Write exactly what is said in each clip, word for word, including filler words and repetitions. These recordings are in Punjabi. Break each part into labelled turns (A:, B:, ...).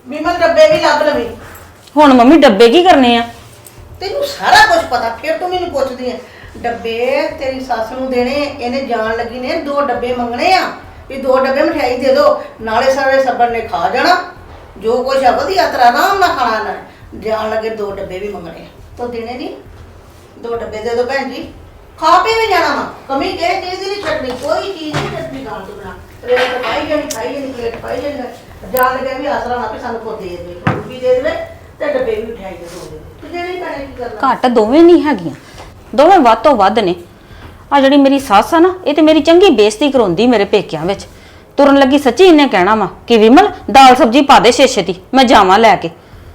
A: ਵਿਮਲ ਡੱਬੇ ਵੀ ਲੱਭ ਲਵੀ।
B: ਹੁਣ ਮੰਮੀ ਡੱਬੇ ਕੀ ਕਰਨੇ ਆ?
A: ਤੈਨੂੰ ਸਾਰਾ ਕੁਝ ਪਤਾ, ਫਿਰ ਤੂੰ ਮੈਨੂੰ ਪੁੱਛਦੀ ਹੈ। ਡੱਬੇ ਤੇਰੀ ਸੱਸ ਨੂੰ ਦੇਣੇ, ਇਹਨੇ ਜਾਣ ਲੱਗੀ ਨੇ ਦੋ ਡੱਬੇ ਮੰਗਣੇ ਆ ਵੀ ਦੋ ਡੱਬੇ ਮਠਿਆਈ ਦੇ ਦਿਓ, ਨਾਲੇ ਸਾਰੇ ਸੱਬਰ ਨੇ ਖਾ ਜਾਣਾ ਜੋ ਕੁਛ ਆ ਵਧੀਆ ਤਰ੍ਹਾਂ ਆਰਾਮ ਨਾਲ ਖਾਣਾ ਇਹਨਾਂ ਨੇ। ਜਾਣ ਲੱਗੇ ਦੋ ਡੱਬੇ ਵੀ ਮੰਗਣੇ ਤਾਂ ਦੇਣੇ ਨਹੀਂ। ਦੋ ਡੱਬੇ ਦੇ ਦਿਓ ਭੈਣ ਜੀ, ਖਾ ਪੀ ਵੀ ਜਾਣਾ ਵਾ, ਕਮੀ ਕਿਸੇ ਚੀਜ਼ ਦੀ ਨਹੀਂ ਛੱਡਣੀ, ਕੋਈ ਚੀਜ਼ ਨਹੀਂ ਛੱਡਣੀ ਖਾਣ ਤੋਂ ਬਿਨਾਂ। ਪਲੇਟ ਪਾਈ ਜਾਣੀ, ਖਾਈ ਜਾਣੀ, ਪਲੇਟ ਪਾਈ ਜਾਣੀ। ਜਾਣ ਲੱਗੇ ਵੀ ਆਸਰਾ ਨਾ ਵੀ ਸਾਨੂੰ ਕੋ ਦੇ ਦੇਵੇ, ਰੋਟੀ ਦੇ ਦੇਵੇ ਤੇ ਡੱਬੇ ਵੀ ਮਠਿਆਈ ਦੇ ਦੋ ਦੇ ਤੇ ਦੇਣੇ ਪੈਣੇ। ਕੀ ਕਰਨਾ,
B: ਘੱਟ ਦੋਵੇਂ ਨਹੀਂ ਹੈਗੀਆਂ, ਦੋਵੇਂ ਵੱਧ ਤੋਂ ਵੱਧ ਨੇ। ਆ ਜਿਹੜੀ ਮੇਰੀ ਸੱਸ ਆ ਨਾ, ਇਹ ਤੇ ਮੇਰੀ ਚੰਗੀ ਬੇਇੱਜ਼ਤੀ ਕਰਾਉਂਦੀ ਮੇਰੇ ਪੇਕਿਆਂ ਵਿੱਚ। ਤੁਰਨ ਲੱਗੀ ਸੱਚੀ ਇਹਨੇ ਕਹਿਣਾ ਵਾ ਕਿ ਵਿਮਲ ਦਾਲ ਸਬਜ਼ੀ ਪਾ ਦੇ ਛੇ ਛੇਤੀ, ਮੈਂ ਜਾਵਾਂ ਲੈ ਕੇ।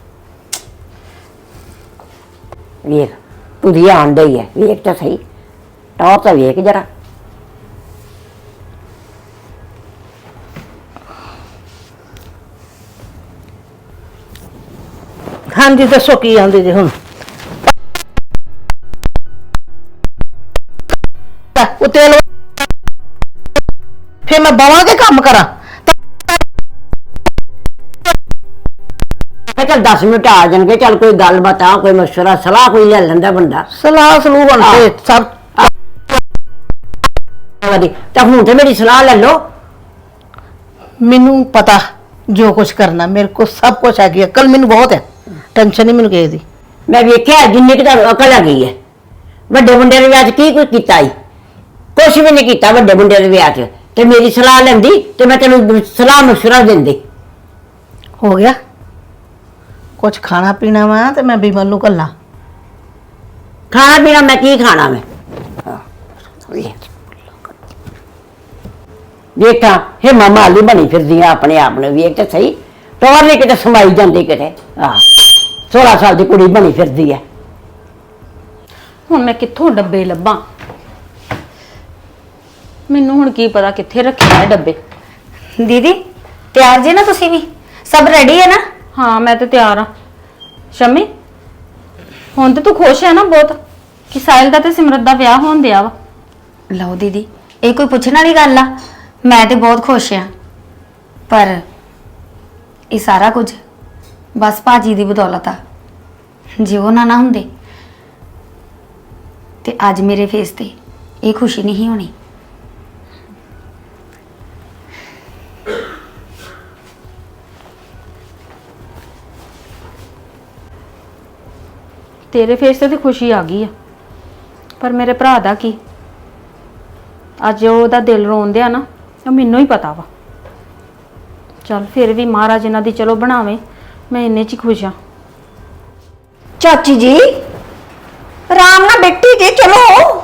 C: ਵੇਖ ਤੁਰੀ ਆਣ ਡਈ ਹੈ, ਵੇਖ ਤਾਂ ਸਹੀ, ਟੌਰ ਤਾਂ ਵੇਖ ਜਰਾ।
A: ਹਾਂਜੀ ਦੱਸੋ ਕੀ ਆਉਂਦੇ ਜੇ ਹੁਣ? ਉੱਤੇ ਲੋ ਫੇ ਮੈਂ ਬਵਾਂ ਕੇ ਕੰਮ ਕਰਾਂ।
C: ਚੱਲ ਦਸ ਮਿੰਟ ਆ ਜਾਣਗੇ, ਚੱਲ ਕੋਈ ਗੱਲ ਬਤਾ, ਕੋਈ ਮਸ਼ਵਰਾ ਸਲਾਹ ਕੋਈ ਲੈ ਲੈਂਦਾ ਬੰਦਾ।
A: ਸਲਾਹ ਸਲੂਹ ਹੁਣ ਤੇ ਸਭ
C: ਤਾਂ ਹੁਣ ਤੇ ਮੇਰੀ ਸਲਾਹ ਲੈ ਲਓ।
A: ਮੈਨੂੰ ਪਤਾ ਜੋ ਕੁਝ ਕਰਨਾ, ਮੇਰੇ ਕੋਲ ਸਭ ਕੁਝ ਹੈਗੀ, ਅਕਲ ਮੈਨੂੰ ਬਹੁਤ ਹੈ, ਟੈਨਸ਼ਨ ਨਹੀਂ ਮੈਨੂੰ ਕਿਸੇ ਦੀ।
C: ਮੈਂ ਵੇਖਿਆ ਜਿੰਨੀ ਕਿ ਤੁਹਾਨੂੰ ਅਕਲ ਆ ਗਈ ਹੈ। ਵੱਡੇ ਮੁੰਡੇ ਦੇ ਵਿਆਹ 'ਚ ਕੀ ਕੁਝ ਕੀਤਾ ਹੀ? ਕੁਛ ਵੀ ਨਹੀਂ ਕੀਤਾ ਵੱਡੇ ਮੁੰਡੇ ਦੇ ਵਿਆਹ 'ਚ। ਤੇ ਮੇਰੀ ਸਲਾਹ ਲੈਂਦੀ ਤੇ ਮੈਂ ਤੈਨੂੰ ਸਲਾਹ ਮਸ਼ਵਰਾ ਦਿੰਦੀ।
A: ਹੋ ਗਿਆ ਕੁਝ ਖਾਣਾ ਪੀਣਾ ਵਾ ਤੇ ਮੈਂ ਬਿਮਲ ਨੂੰ ਘੱਲਾਂ।
C: ਖਾਣਾ ਪੀਣਾ ਮੈਂ ਕੀ ਖਾਣਾ ਮੈਂ? ਵੇਖਾਂ ਹੇ ਮਾਲੀ ਬਣੀ ਫਿਰਦੀਆਂ ਆਪਣੇ ਆਪ ਨੂੰ, ਵੇਖ ਤੇ ਸਹੀ, ਟੋਰ ਨਹੀਂ ਕਿਤੇ ਸਮਾਈ ਜਾਂਦੀ ਕਿਤੇ। ਆਹ ਸੋਲਾਂ ਸਾਲ ਦੀ ਕੁੜੀ ਬਣੀ ਫਿਰਦੀ ਹੈ।
B: ਹੁਣ ਮੈਂ ਕਿੱਥੋਂ ਡੱਬੇ ਲੱਭਾਂ? ਮੈਨੂੰ ਹੁਣ ਕੀ ਪਤਾ ਕਿੱਥੇ ਰੱਖੇ ਆ ਡੱਬੇ।
D: ਦੀਦੀ ਤਿਆਰ ਜੇ ਨਾ ਤੁਸੀਂ ਵੀ? ਸਭ ਰੈਡੀ ਹੈ ਨਾ?
B: ਹਾਂ ਮੈਂ ਤੇ ਤਿਆਰ ਆ। ਸ਼ਮੀ ਹੁਣ ਤੇ ਤੂੰ ਖੁਸ਼ ਹੈ ਨਾ ਬਹੁਤ ਕਿ ਸਾਹਿਲ ਦਾ ਤੇ ਸਿਮਰਤ ਦਾ ਵਿਆਹ ਹੋਣ ਦਿਆ ਵਾ?
D: ਲਓ ਦੀਦੀ, ਇਹ ਕੋਈ ਪੁੱਛਣ ਵਾਲੀ ਗੱਲ ਆ? ਮੈਂ ਤੇ ਬਹੁਤ ਖੁਸ਼ ਆ, ਪਰ ਇਹ ਸਾਰਾ ਕੁਝ ਬਸ ਭਾਜੀ ਦੀ ਬਦੌਲਤ ਆ। ਜੇ ਉਹ ਨਾ ਨਾ ਹੁੰਦੇ ਤੇ ਅੱਜ ਮੇਰੇ ਫੇਸ ਤੇ ਇਹ ਖੁਸ਼ੀ ਨਹੀਂ ਹੋਣੀ।
B: ਤੇਰੇ ਫੇਸ ਤੇ ਤੇ ਖੁਸ਼ੀ ਆ ਗਈ ਆ, ਪਰ ਮੇਰੇ ਭਰਾ ਦਾ ਕੀ? ਅੱਜ ਉਹਦਾ ਦਿਲ ਰੋਂਦੇ ਆ ਨਾ, ਉਹ ਮੈਨੂੰ ਹੀ ਪਤਾ ਵਾ। ਚੱਲ ਫਿਰ ਵੀ ਮਹਾਰਾਜ ਇਹਨਾਂ ਦੀ ਚਲੋ ਬਣਾਵੇ, ਮੈਂ ਇੰਨੇ 'ਚ ਹੀ ਖੁਸ਼ ਆ।
D: ਚਾਚੀ ਜੀ ਆਰਾਮ ਨਾਲ ਬੈਠੀ ਜੇ, ਚਲੋ।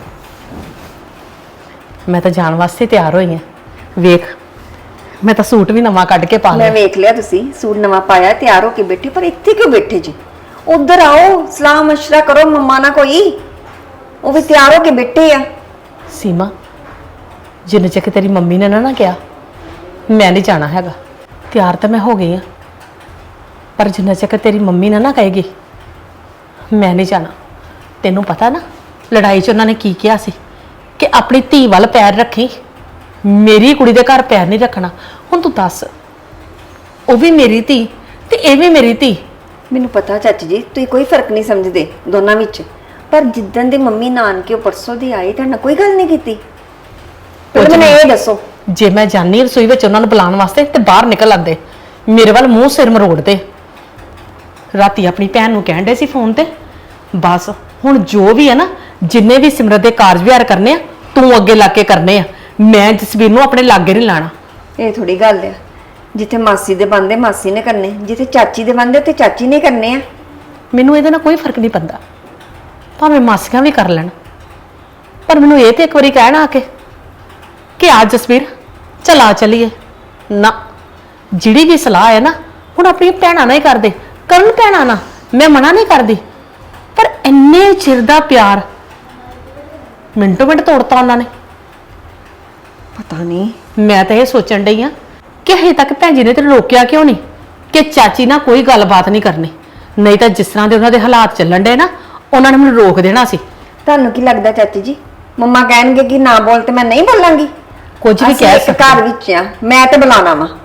E: ਮੈਂ ਤਾਂ ਜਾਣ ਵਾਸਤੇ ਤਿਆਰ ਹੋਈ ਹਾਂ। ਵੇਖ ਮੈਂ ਤਾਂ ਸੂਟ ਵੀ ਨਵਾਂ ਕੱਢ ਕੇ ਪਾ ਲਿਆ।
D: ਮੈਂ ਵੇਖ ਲਿਆ ਤੁਸੀਂ ਸੂਟ ਨਵਾਂ ਪਾਇਆ, ਤਿਆਰ ਹੋ ਕੇ ਬੈਠੇ, ਪਰ ਇੱਥੇ ਕਿਉਂ ਬੈਠੇ ਜੀ? ਉਧਰ ਆਓ, ਸਲਾਹ ਮਸ਼ਵਰਾ ਕਰੋ ਮੰਮਾ ਨਾਲ ਕੋਈ, ਉਹ ਵੀ ਤਿਆਰ ਹੋ ਕੇ ਬੈਠੇ ਆ।
E: ਸੀਮਾ ਜਿੰਨੇ ਚੱਕ ਤੇਰੀ ਮੰਮੀ ਨੇ ਨਾ ਨਾ ਕਿਹਾ ਮੈਂ ਨਹੀਂ ਜਾਣਾ ਹੈਗਾ। ਤਿਆਰ ਤਾਂ ਮੈਂ ਹੋ ਗਈ ਆ, ਪਰ ਜਿੰਨੇ ਚੱਕ ਤੇਰੀ ਮੰਮੀ ਨੇ ਨਾ ਕਹੇਗੀ ਮੈਂ ਨਹੀਂ ਜਾਣਾ। ਤੈਨੂੰ ਪਤਾ ਨਾ ਲੜਾਈ 'ਚ ਉਹਨਾਂ ਨੇ ਕੀ ਕਿਹਾ ਸੀ ਕਿ ਆਪਣੀ ਧੀ ਵੱਲ ਪੈਰ ਰੱਖੀ, ਮੇਰੀ ਕੁੜੀ ਦੇ ਘਰ ਪੈਰ ਨਹੀਂ ਰੱਖਣਾ। ਹੁਣ ਤੂੰ ਦੱਸ, ਉਹ ਵੀ ਮੇਰੀ ਧੀ ਤੇ ਇਹ ਵੀ ਮੇਰੀ ਧੀ।
D: ਮੈਨੂੰ ਪਤਾ ਚਾਚੀ ਜੀ ਤੁਸੀਂ ਕੋਈ ਫਰਕ ਨਹੀਂ ਸਮਝਦੇ ਦੋਨਾਂ ਵਿੱਚ, ਪਰ ਜਿੱਦਣ ਦੇ ਮੰਮੀ ਨਾਨਕੇ ਪਰਸੋਂ ਦੀ ਆਏ ਤਾਂ ਕੋਈ ਗੱਲ ਨਹੀਂ ਕੀਤੀ। ਪਹਿਲਾਂ ਮੈਨੂੰ ਇਹ ਦੱਸੋ,
E: ਜੇ ਮੈਂ ਜਾਨੀ ਰਸੋਈ ਵਿੱਚ ਉਹਨਾਂ ਨੂੰ ਬੁਲਾਉਣ ਵਾਸਤੇ ਤੇ ਬਾਹਰ ਨਿਕਲ ਆਂਦੇ, ਮੇਰੇ ਵੱਲ ਮੂੰਹ ਸਿਰ ਮਰੋੜਦੇ। ਰਾਤੀ ਆਪਣੀ ਭੈਣ ਨੂੰ ਕਹਿਣ ਦੇ ਸੀ ਫੋਨ ਤੇ, ਬਸ ਹੁਣ ਜੋ ਵੀ ਹੈ ਨਾ, ਜਿੰਨੇ ਵੀ ਸਿਮਰਤ ਦੇ ਕਾਰਜ ਵਿਹਾਰ ਕਰਨੇ ਆ ਤੂੰ ਅੱਗੇ ਲਾ ਕੇ ਕਰਨੇ ਆ। ਮੈਂ ਜਸਵੀਰ ਨੂੰ ਆਪਣੇ ਲਾਗੇ ਨਹੀਂ ਲਾਣਾ।
D: ਇਹ ਥੋੜੀ ਗੱਲ ਆ, ਜਿੱਥੇ ਮਾਸੀ ਦੇ ਬੰਦੇ ਮਾਸੀ ਨੇ ਕਰਨੇ, ਜਿੱਥੇ ਚਾਚੀ ਦੇ ਬੰਦੇ ਤੇ ਚਾਚੀ ਨੇ ਕਰਨੇ ਆ।
E: ਮੈਨੂੰ ਇਹਦੇ ਨਾਲ ਕੋਈ ਫਰਕ ਨਹੀਂ ਪੈਂਦਾ, ਭਾਵੇਂ ਮਾਸੀਆਂ ਵੀ ਕਰ ਲੈਣ, ਪਰ ਮੈਨੂੰ ਇਹ ਤੇ ਇੱਕ ਵਾਰੀ ਕਹਿਣਾ ਆ ਕੇ ਕਿ ਆ ਜਸਵੀਰ ਚਲਾ ਚਲੀਏ ਨਾ। ਜਿਹੜੀ ਵੀ ਸਲਾਹ ਹੈ ਨਾ ਹੁਣ ਆਪਣੀਆਂ ਭੈਣਾਂ ਨਾਲ ਹੀ ਕਰਦੇ, ਕਰਨ ਭੈਣਾਂ ਨਾਲ, ਮੈਂ ਮਨਾ ਨਹੀਂ ਕਰਦੀ, ਪਰ ਇੰਨੇ ਚਿਰ ਦਾ ਪਿਆਰ ਮਿੰਟੋ ਮਿੰਟ ਤੋੜਤਾ ਉਹਨਾਂ ਨੇ।
D: ਪਤਾ ਨਹੀਂ,
E: ਮੈਂ ਤਾਂ ਇਹ ਸੋਚਣ ਡਈ ਆ ਕਿ ਹਜੇ ਤੱਕ ਭੈਣ ਜੀ ਨੇ ਤੈਨੂੰ ਰੋਕਿਆ ਕਿਉਂ ਨਹੀਂ ਕਿ ਚਾਚੀ ਨਾਲ ਕੋਈ ਗੱਲਬਾਤ ਨਹੀਂ ਕਰਨੀ? ਨਹੀਂ ਤਾਂ ਜਿਸ ਤਰ੍ਹਾਂ ਦੇ ਉਹਨਾਂ ਦੇ ਹਾਲਾਤ ਚੱਲਣ ਡੇ ਨਾ, ਉਹਨਾਂ ਨੇ ਮੈਨੂੰ ਰੋਕ ਦੇਣਾ ਸੀ।
D: ਤੁਹਾਨੂੰ ਕੀ ਲੱਗਦਾ ਚਾਚੀ ਜੀ ਮੰਮਾ ਕਹਿਣਗੇ ਕਿ ਨਾ ਬੋਲ ਤੇ ਮੈਂ ਨਹੀਂ ਬੋਲਾਂਗੀ?
E: ਕੁਝ ਵੀ ਕਹਿ
D: ਸਕਦੇ ਘਰ ਵਿੱਚ ਆ, ਮੈਂ ਤੇ ਬੁਲਾਣਾ ਵਾ।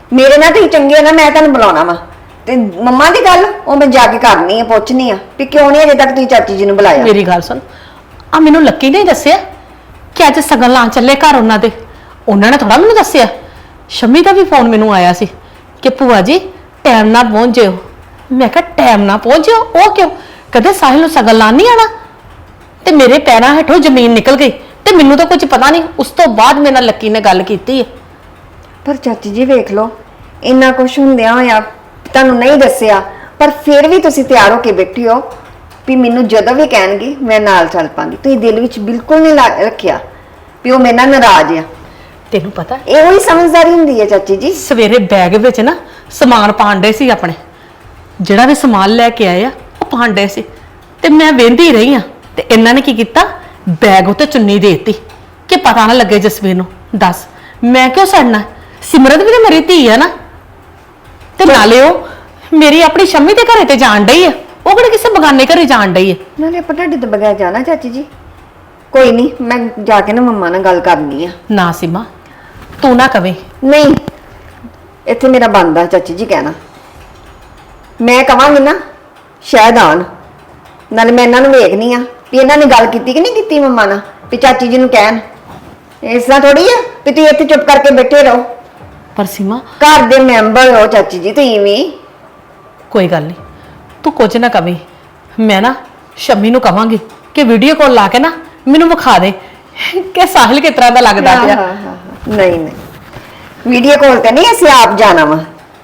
F: ਮੇਰੇ ਨਾਲ ਤੁਸੀਂ ਚੰਗੇ ਹੋ ਨਾ, ਮੈਂ ਤੁਹਾਨੂੰ ਬੁਲਾਉਣਾ ਵਾ। ਤੇ ਮੰਮਾ ਦੀ ਗੱਲ ਉਹ ਮੈਂ ਜਾ ਕੇ ਕਰਨੀ ਆ, ਪੁੱਛਣੀ ਆ ਵੀ ਕਿਉਂ ਨਹੀਂ ਅਜੇ ਤੱਕ ਤੁਸੀਂ ਚਾਚੀ ਜੀ ਨੂੰ ਬੁਲਾਇਆ।
E: ਮੇਰੀ ਗੱਲ ਸੁਣ, ਆ ਮੈਨੂੰ ਲੱਕੀ ਨੇ ਹੀ ਦੱਸਿਆ ਕਿ ਅੱਜ ਸਗਨ ਲਾਂ ਚੱਲੇ ਘਰ ਉਹਨਾਂ ਦੇ। ਉਹਨਾਂ ਨੇ ਥੋੜਾ ਮੈਨੂੰ ਦੱਸਿਆ। ਸ਼ਮੀ ਦਾ ਵੀ ਫੋਨ ਮੈਨੂੰ ਆਇਆ ਸੀ ਕਿ ਭੂਆ ਜੀ ਟਾਈਮ ਨਾਲ ਪਹੁੰਚ ਜਿਓ। ਮੈਂ ਕਿਹਾ ਟਾਈਮ ਨਾਲ ਪਹੁੰਚ ਜਿਓ, ਉਹ ਕਿਉਂ? ਕਦੇ ਸਾਹਿਲ ਨੂੰ ਸਗਨ ਲਾਂ ਨਹੀਂ ਆਣਾ। ਤੇ ਮੇਰੇ ਪੈਰਾਂ ਹੇਠੋਂ ਜ਼ਮੀਨ ਨਿਕਲ ਗਈ ਤੇ ਮੈਨੂੰ ਤਾਂ ਕੁਝ ਪਤਾ ਨਹੀਂ। ਉਸ ਤੋਂ ਬਾਅਦ ਮੇਰੇ ਨਾਲ ਲੱਕੀ ਨੇ ਗੱਲ ਕੀਤੀ ਹੈ।
F: ਪਰ ਚਾਚੀ ਜੀ ਵੇਖ ਲਓ, ਇੰਨਾ ਕੁਝ ਹੁੰਦਿਆਂ ਹੋਇਆ ਤੁਹਾਨੂੰ ਨਹੀਂ ਦੱਸਿਆ, ਪਰ ਫਿਰ ਵੀ ਤੁਸੀਂ ਤਿਆਰ ਹੋ ਕੇ ਬੈਠੀ ਹੋ ਵੀ ਮੈਨੂੰ ਜਦੋਂ ਵੀ ਕਹਿਣਗੇ ਮੈਂ ਨਾਲ ਚੱਲ ਪਾਂਗੀ। ਤੁਸੀਂ ਦਿਲ ਵਿੱਚ ਬਿਲਕੁਲ ਨਹੀਂ ਲਾ- ਰੱਖਿਆ ਵੀ ਉਹ ਮੇਰੇ ਨਾਲ ਨਾਰਾਜ਼ ਆ।
E: ਤੈਨੂੰ ਪਤਾ
F: ਇਹੋ ਹੀ ਸਮਝਦਾਰੀ ਹੁੰਦੀ ਹੈ ਚਾਚੀ ਜੀ।
E: ਸਵੇਰੇ ਬੈਗ ਵਿੱਚ ਨਾ ਸਮਾਨ ਪਾਉਂਦੇ ਸੀ ਆਪਣੇ, ਜਿਹੜਾ ਵੀ ਸਮਾਨ ਲੈ ਕੇ ਆਏ ਆ ਉਹ ਪਾਉਂਦੇ ਸੀ ਤੇ ਮੈਂ ਵੇਂਦੀ ਰਹੀ ਆ। ਤੇ ਇਹਨਾਂ ਨੇ ਕੀ ਕੀਤਾ, ਬੈਗ ਉੱਤੇ ਚੁੰਨੀ ਦੇ ਦਿੱਤੀ ਕਿ ਪਤਾ ਨਾ ਲੱਗੇ ਜਸਵੀਰ ਨੂੰ। ਦੱਸ ਮੈਂ ਕਿਉਂ ਸੜਨਾ? ਸਿਮਰਤ ਵੀ ਤਾਂ ਮੇਰੀ ਧੀ ਆ ਨਾ। ਤੇ ਨਾਲੇ ਉਹ ਮੇਰੀ ਆਪਣੀ ਸ਼ੰਮੀ ਦੇ ਘਰੇ ਤੇ ਜਾਣ ਡਈ ਆ, ਉਹ ਕਿਹੜੇ ਕਿਸੇ ਬਗਾਨੇ ਘਰੇ ਜਾਣ ਡਈ ਆ।
F: ਨਾਲੇ ਆਪਾਂ ਤੁਹਾਡੇ ਤੋਂ ਬਗੈਰ ਜਾਣਾ ਚਾਚੀ ਜੀ? ਕੋਈ ਨਹੀਂ, ਮੈਂ ਜਾ ਕੇ ਨਾ ਮੰਮਾ ਨਾਲ ਗੱਲ ਕਰਨੀ ਆ।
E: ਨਾ ਸੀਮਾ, ਤੂੰ ਨਾ ਕਵੇਂ।
F: ਨਹੀਂ, ਇੱਥੇ ਮੇਰਾ ਬਣਦਾ ਚਾਚੀ ਜੀ ਕਹਿਣਾ। ਮੈਂ ਕਵਾਂਗੀ ਨਾ ਸ਼ਾਇਦ ਆਣ। ਨਾਲੇ ਮੈਂ ਇਹਨਾਂ ਨੂੰ ਵੇਖਣੀ ਆ ਵੀ ਇਹਨਾਂ ਨੇ ਗੱਲ ਕੀਤੀ ਕਿ ਨਹੀਂ ਕੀਤੀ ਮੰਮਾ ਨਾਲ, ਵੀ ਚਾਚੀ ਜੀ ਨੂੰ ਕਹਿਣ। ਇਸ ਤਰ੍ਹਾਂ ਥੋੜੀ ਆ ਵੀ ਤੁਸੀਂ ਇੱਥੇ ਚੁੱਪ ਕਰਕੇ ਬੈਠੇ ਰਹੋ।
E: ਪਰ ਸੀਮਾ
F: ਘਰ ਦੇ ਮੈਂਬਰ ਹੋ ਚਾਚੀ ਜੀ ਤੁਸੀਂ ਵੀ।
E: ਕੋਈ ਗੱਲ ਨਹੀਂ, ਤੂੰ ਕੁਝ ਨਾ ਕਵੇਂ। ਮੈਂ ਨਾ ਸ਼ੰਮੀ ਨੂੰ ਕਵਾਂਗੀ ਕਿ ਵੀਡੀਓ ਕਾਲ ਲਾ ਕੇ ਨਾ ਮੈਨੂੰ ਵਿਖਾ ਦੇ ਕਿ ਸਾਹਿਲ ਕਿਸ ਤਰ੍ਹਾਂ ਦਾ ਲੱਗਦਾ
F: ਹਾਂ,
E: ਪਿਆ।
F: ਹਾਂ, ਹਾਂ, ਹਾਂ। ਨਹੀਂ ਨਹੀਂ, ਵੀਡੀਓ ਕਾਲ ਤੇ ਨਹੀਂ, ਅਸੀਂ ਆਪ ਜਾਣਾ ਵਾ।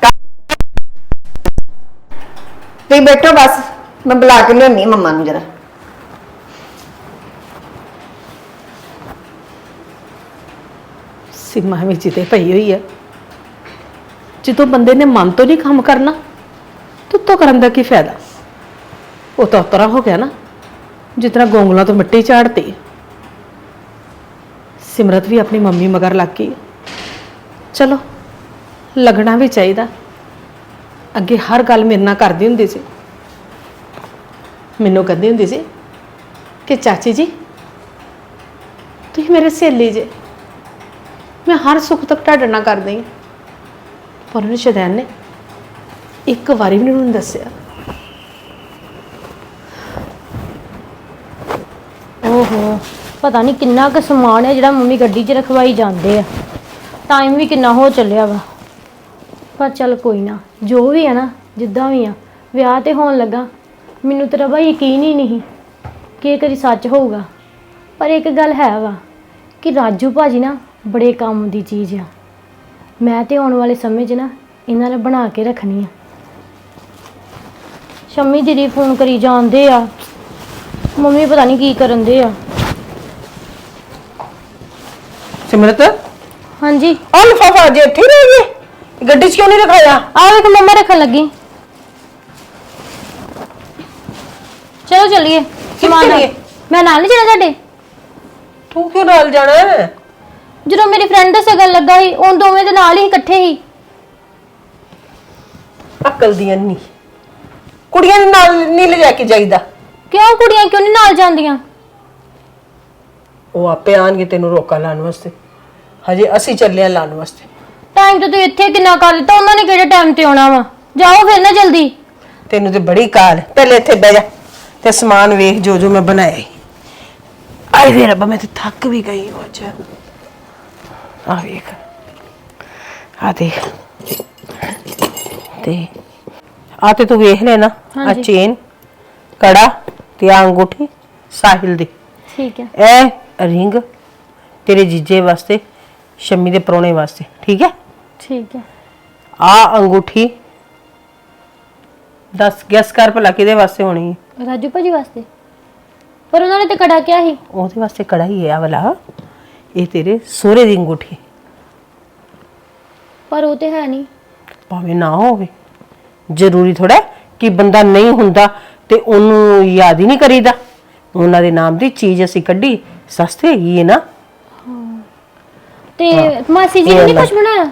F: ਤੁਸੀਂ ਬੈਠੋ ਬਸ, ਮੈਂ ਬੁਲਾ ਕੇ ਲਿਆਉਣੀ ਮੰਮਾ ਨੂੰ ਜਰਾ।
E: ਸੀਮਾ ਵਿੱਚ ਤੇ ਪਈ ਹੋਈ ਆ। ਜਦੋਂ ਬੰਦੇ ਨੇ ਮਨ ਤੋਂ ਨਹੀਂ ਕੰਮ ਕਰਨਾ ਤੇ ਉੱਤੋਂ ਕਰਨ ਦਾ ਕੀ ਫਾਇਦਾ? ਉਹ ਤਾਂ ਉਤਰਾ ਹੋ ਗਿਆ ਨਾ ਜਿਸ ਤਰ੍ਹਾਂ ਗੋਂਗਲਾਂ ਤੋਂ ਮਿੱਟੀ ਝਾੜਤੀ। ਸਿਮਰਤ ਵੀ ਆਪਣੀ ਮੰਮੀ ਮਗਰ ਲੱਗ ਗਈ। ਚਲੋ ਲੱਗਣਾ ਵੀ ਚਾਹੀਦਾ। ਅੱਗੇ ਹਰ ਗੱਲ ਮੇਰੇ ਨਾਲ ਕਰਦੀ ਹੁੰਦੀ ਸੀ। ਮੈਨੂੰ ਕਹਿੰਦੀ ਹੁੰਦੀ ਸੀ ਕਿ ਚਾਚੀ ਜੀ ਤੁਸੀਂ ਮੇਰੇ ਸਹੇਲੀ ਜੇ, ਮੈਂ ਹਰ ਸੁੱਖ ਤੱਕ ਤੁਹਾਡੇ ਨਾਲ ਕਰਦੀ ਹਾਂ। ਪਰ ਉਹਨੇ ਸ਼ੈਤਾਨ ਨੇ ਇੱਕ ਵਾਰੀ ਵੀ ਨਹੀਂ ਦੱਸਿਆ।
G: ਓਹੋ, ਪਤਾ ਨਹੀਂ ਕਿੰਨਾ ਕੁ ਸਮਾਨ ਹੈ ਜਿਹੜਾ ਮੰਮੀ ਗੱਡੀ 'ਚ ਰਖਵਾਈ ਜਾਂਦੇ ਆ। ਟਾਈਮ ਵੀ ਕਿੰਨਾ ਹੋ ਚੱਲਿਆ ਵਾ। ਪਰ ਚੱਲ ਕੋਈ ਨਾ, ਜੋ ਵੀ ਹੈ ਨਾ, ਜਿੱਦਾਂ ਵੀ ਆ, ਵਿਆਹ ਤੇ ਹੋਣ ਲੱਗਾ। ਮੈਨੂੰ ਤੇਰਾ ਬਈ ਯਕੀਨ ਹੀ ਨਹੀਂ ਕਿ ਇਹ ਕਦੀ ਸੱਚ ਹੋਊਗਾ। ਪਰ ਇੱਕ ਗੱਲ ਹੈ ਵਾ ਕਿ ਰਾਜੂ ਭਾਜੀ ਨਾ ਬੜੇ ਕੰਮ ਦੀ ਚੀਜ਼ ਆ। ਮੈਂ ਤੇ ਆਉਣ ਵਾਲੇ ਸਮੇਂ 'ਚ ਨਾ ਇਹਨਾਂ ਨੇ ਬਣਾ ਕੇ ਰੱਖਣੀ ਆ। ਸ਼ੰਮੀ ਦੀਦੀ ਫੋਨ ਕਰੀ ਜਾਂਦੇ ਆ, ਮੰਮੀ ਪਤਾ ਨਹੀਂ ਕੀ ਕਰਨ ਦੇ ਆ।
E: ਸਿਮਰਤ
G: ਹਾਂਜੀ,
E: ਆਹ ਲਿਫਾਫਾ ਜੇ ਇੱਥੇ ਰਹਿ ਗਿਆ, ਗੱਡੀ 'ਚ ਕਿਉਂ ਨਹੀਂ ਰਖਾਇਆ?
G: ਆ ਵੇਖ ਮੰਮਾ ਰੱਖਣ ਲੱਗੀ। ਚਲੋ ਚੱਲੀਏ, ਸਮਾਨ
E: ਚੱਲੀਏ?
G: ਮੈਂ ਨਾਲ ਨਹੀਂ ਜਾਣਾ ਤੁਹਾਡੇ।
E: ਤੂੰ ਕਿਉਂ ਨਾਲ ਜਾਣਾ ਹੈ?
G: ਜਦੋਂ ਮੇਰੀ ਫਰੈਂਡ ਦਾ ਸਗਨ ਲੱਗਾ ਸੀ, ਉਹ ਦੋਵੇਂ ਦੇ ਨਾਲ ਹੀ ਇਕੱਠੇ ਹੀ।
E: ਅਕਲ ਦੀ ਅੰਨੀ, ਕੁੜੀਆਂ ਨੂੰ ਨਾਲ ਨਹੀਂ ਲਿਜਾ ਕੇ ਜਾਈਦਾ।
G: ਕਿਉਂ ਕੁੜੀਆਂ ਕਿਉਂ ਨਹੀਂ ਨਾਲ ਜਾਂਦੀਆਂ?
E: ਉਹ ਆਪੇ ਆਣਗੇ ਤੈਨੂੰ ਰੋਕਾ ਲਾਉਣ ਵਾਸਤੇ। ਹਜੇ ਅਸੀਂ ਚੱਲੇ ਆ ਲਾਉਣ ਵਾਸਤੇ।
G: ਟਾਈਮ ਤੇ ਤੂੰ ਇੱਥੇ ਕਿੰਨਾ ਕਰ ਦਿੱਤਾ, ਉਹਨਾਂ ਨੇ ਕਿਹੜੇ ਟਾਈਮ ਤੇ ਆਉਣਾ ਵਾ। ਜਾਓ ਫਿਰ ਨਾ ਜਲਦੀ।
E: ਤੈਨੂੰ ਤੇ ਬੜੀ ਕਾਲ। ਪਹਿਲੇ ਇੱਥੇ ਬਹਿ ਜਾ ਤੇ ਸਮਾਨ ਵੇਖ ਜੋ ਜੋ ਮੈਂ ਬਣਾਇਆ ਈ। ਆਏ ਵੇ ਰੱਬਾ, ਮੈਂ ਤੇ ਥੱਕ ਵੀ ਗਈ ਹਾਂ ਅੱਜ। ਆ ਵੇਖ, ਆ ਦੇਖ, ਤੇ ਆ ਤੇ ਤੂੰ ਵੇਖ ਲੈ ਨਾ, ਆ
G: ਹਾਂਜੀ।
E: ਚੇਨ, ਕੜਾ ਤੇ ਆ ਅੰਗੂਠੀ ਸਾਹਿਲ ਦੀ।
G: ਠੀਕ ਹੈ,
E: ਇਹ ਰਿੰਗ ਤੇਰੇ ਜੀਜੇ ਵਾਸਤੇ, ਸ਼ੰਮੀ ਦੇ ਪਰੋਣੇ ਵਾਸਤੇ। ਠੀਕ ਹੈ?
G: ਠੀਕ ਹੈ।
E: ਆ ਅੰਗੂਠੀ ਦਸ ਗੈਸ ਕਰ ਭਲਾ ਕਿਹਦੇ ਵਾਸਤੇ ਹੋਣੀ ਹੈ?
G: ਰਾਜੂ ਭਾਜੀ ਵਾਸਤੇ। ਪਰ ਉਹਨਾਂ ਨੇ ਤੇ ਕੜਾ ਕਿਹਾ ਸੀ।
E: ਉਹਦੇ ਵਾਸਤੇ ਕੜਾ ਹੀ ਹੈ ਆ ਵਾਲਾ। ਇਹ ਤੇਰੇ ਸਹੁਰੇ ਦੀ ਅੰਗੂਠੀ।
G: ਪਰ ਉਹ ਤੇ ਹੈ ਨਹੀਂ।
E: ਭਾਵੇਂ ਨਾ ਹੋਵੇ, ਜ਼ਰੂਰੀ ਥੋੜਾ ਕਿ ਬੰਦਾ ਨਹੀਂ ਹੁੰਦਾ ਤੇ ਉਹਨੂੰ ਯਾਦ ਹੀ ਨਹੀਂ ਕਰੀਦਾ। ਉਹਨਾਂ ਦੇ ਨਾਮ ਦੀ ਚੀਜ਼ ਅਸੀਂ ਕੱਢੀ, ਸਸਤੀ ਹੈਗੀ ਹੈ ਨਾ।
G: ਤੇ ਮਾਸੀ ਜੀ ਨੇ ਨਹੀਂ ਕੁਝ ਬਣਾਇਆ?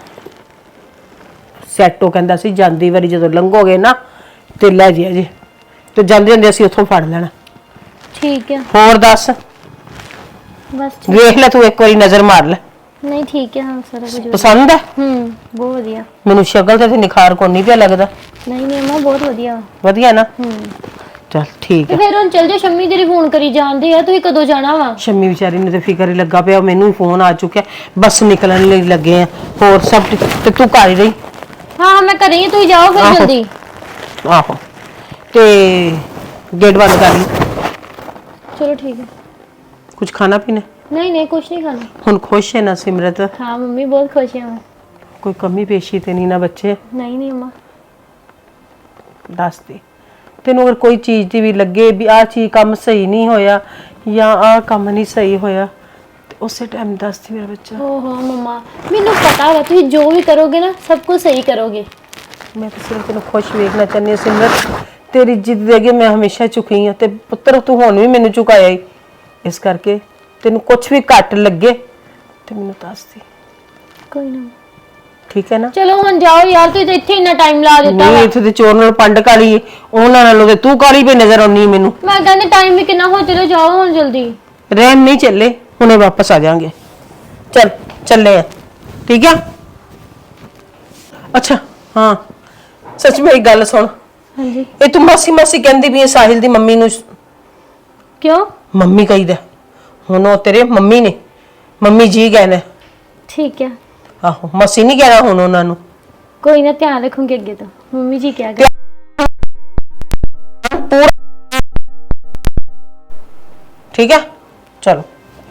E: ਸੈਟੋ ਕਹਿੰਦਾ ਸੀ ਜਾਂਦੀ ਵਾਰੀ ਜਦੋਂ ਲੰਘੋਗੇ ਨਾ ਤੇ ਲੈ ਜਿਆ ਜੀ, ਤੇ ਜਾਂਦੇ ਜਾਂਦੇ ਅਸੀਂ ਉੱਥੋਂ ਫੜ ਲੈਣਾ।
G: ਠੀਕ ਹੈ,
E: ਹੋਰ ਦੱਸ,
G: ਬਸ ਠੀਕ।
E: ਵੇਖ ਲੈ ਤੂੰ ਇੱਕ ਵਾਰੀ ਨਜ਼ਰ ਮਾਰ ਲੈ।
G: ਨਹੀਂ ਠੀਕ ਹੈ, ਹਾਂ ਸਾਰਾ ਕੁਝ ਵਧੀਆ।
E: ਪਸੰਦ ਹੈ?
G: ਹੂੰ ਬਹੁਤ ਵਧੀਆ।
E: ਮੈਨੂੰ ਸ਼ਕਲ ਤੇ ਨਿਖਾਰ ਕੋਈ ਨਹੀਂ ਪਿਆ ਲੱਗਦਾ।
G: ਨਹੀਂ ਨਹੀਂ ਅੰਮਾ ਬਹੁਤ ਵਧੀਆ।
E: ਵਧੀਆ ਨਾ?
G: ਹੂੰ
E: ਚਲ ਠੀਕ
G: ਤੇ
E: ਹੈ।
G: ਫਿਰ ਹੁਣ ਚੱਲ ਜਾ, ਸ਼ੰਮੀ ਤੇਰੀ ਫੋਨ ਕਰੀ ਜਾਂਦੇ ਆ, ਤੁਸੀਂ ਕਦੋਂ ਜਾਣਾ ਵਾ?
E: ਸ਼ੰਮੀ ਵਿਚਾਰੀ ਨੂੰ ਤੇ ਫਿਕਰ ਹੀ ਲੱਗਾ ਪਿਆ, ਮੈਨੂੰ ਵੀ ਫੋਨ ਆ ਚੁੱਕਿਆ, ਬਸ ਨਿਕਲਣ ਲਈ ਲੱਗੇ ਆ। ਹੋਰ ਸਭ ਠੀਕ? ਤੇ ਤੂੰ ਘਰ ਹੀ ਰਹੀ?
G: ਹਾਂ ਮੈਂ ਘਰੇ ਹੀ, ਤੁਸੀਂ ਜਾਓ ਫਿਰ
E: ਆਹੋ।
G: ਜਲਦੀ।
E: ਆਹੋ ਤੇ ਗੇਟ ਬੰਦ ਕਰ ਲਈ।
G: ਚਲੋ ਠੀਕ ਹੈ।
E: ਕੁਝ ਖਾਣਾ ਪੀਣਾ?
G: ਨਹੀਂ ਨਹੀਂ ਕੁਛ ਨਹੀਂ ਖਾਣਾ।
E: ਹੁਣ ਖੁਸ਼ ਹੈ ਨਾ ਸਿਮਰਤ?
G: ਹਾਂ ਮੰਮੀ ਬਹੁਤ ਖੁਸ਼ ਹਾਂ ਮੈਂ।
E: ਕੋਈ ਕਮੀ ਪੇਸ਼ੀ ਤੇ ਨਹੀਂ ਨਾ ਬੱਚੇ?
G: ਨਹੀਂ ਨਹੀਂ ਅੰਮਾ।
E: ਦੱਸ ਦੇ, ਤੈਨੂੰ ਅਗਰ ਕੋਈ ਚੀਜ਼ ਦੀ ਵੀ ਲੱਗੇ ਵੀ ਆਹ ਚੀਜ਼ ਕੰਮ ਸਹੀ ਨਹੀਂ ਹੋਇਆ ਜਾਂ ਆਹ ਕੰਮ ਨਹੀਂ ਸਹੀ ਹੋਇਆ ਤੇ ਉਸੇ ਟਾਈਮ ਦੱਸ ਦੇ ਮੇਰਾ ਬੱਚਾ।
G: ਓਹੋ ਮੰਮਾ ਮੈਨੂੰ ਪਤਾ ਵਾ ਤੁਸੀਂ ਜੋ ਵੀ ਕਰੋਗੇ ਨਾ ਸਭ ਕੁਝ ਸਹੀ ਕਰੋਗੇ।
E: ਮੈਂ ਤਾਂ ਸਿਰਫ ਤੈਨੂੰ ਖੁਸ਼ ਵੇਖਣਾ ਚਾਹੁੰਦੀ ਹਾਂ ਸਿਮਰਤ। ਤੇਰੀ ਜਿੱਦ ਦੇ ਅੱਗੇ ਮੈਂ ਹਮੇਸ਼ਾ ਝੁਕੀ ਹਾਂ ਤੇ ਪੁੱਤਰ ਤੂੰ ਹੁਣ ਵੀ ਮੈਨੂੰ ਝੁਕਾਇਆ ਹੀ, ਇਸ ਕਰਕੇ ਤੈਨੂੰ ਕੁਝ ਵੀ ਘੱਟ ਲੱਗੇ ਤੇ ਮੈਨੂੰ ਦੱਸ ਦੇ,
G: ਕੋਈ ਨਾ।
E: ਠੀਕ ਹੈ ਨਾ?
G: ਚਲੋ ਹੁਣ ਜਾਓ ਯਾਰ, ਤੁਸੀਂ ਤਾਂ ਇੱਥੇ ਇੰਨਾ ਟਾਈਮ ਲਾ ਦਿੱਤਾ
E: ਨਹੀਂ
G: ਵਾ।
E: ਇੱਥੇ ਤੇ ਚੋਰ ਨਾਲ ਪੰਡ ਕਾਲੀ, ਉਹਨਾਂ ਨਾਲੋਂ ਤੇ ਤੂੰ ਕਾਲੀ ਪਈ ਨਜ਼ਰ ਆਉਣੀ ਮੈਨੂੰ।
G: ਮੈਂ ਕਹਿੰਦੀ ਟਾਈਮ ਵੀ ਕਿੰਨਾ ਹੋ, ਚਲੋ ਜਾਓ ਹੁਣ ਜਲਦੀ।
E: ਰਹਿਣ ਨਹੀਂ ਚੱਲੇ, ਹੁਣੇ ਵਾਪਸ ਆ ਜਾਾਂਗੇ। ਚੱਲ ਚੱਲੇ ਆ, ਠੀਕ ਆ? ਅੱਛਾ ਹਾਂ, ਸੱਚ ਮੇਰੀ ਗੱਲ ਸੁਣ।
G: ਹਾਂਜੀ
E: ਇਹ ਤੂੰ ਮਾਸੀ ਮਾਸੀ ਕਹਿੰਦੀ ਵੀ ਇਹ ਸਾਹਿਲ ਦੀ ਮੰਮੀ ਨੂੰ
G: ਕਿਉਂ?
E: ਮੰਮੀ ਕਹੀਦਾ, ਹੁਣ ਉਹ ਤੇਰੇ ਮੰਮੀ ਨੇ, ਮੰਮੀ ਜੀ ਕਹਿਣਾ।
G: ਠੀਕ ਹੈ
E: ਆਹੋ ਮਾਸੀ ਨਹੀਂ ਕਹਿਣਾ ਹੁਣ ਉਹਨਾਂ ਨੂੰ।
G: ਕੋਈ ਨਾ, ਧਿਆਨ ਰੱਖੂੰਗੀ ਅੱਗੇ ਤੋਂ, ਮੰਮੀ ਜੀ ਕਿਹਾ ਕਰ।
E: ਠੀਕ ਹੈ ਚਲੋ।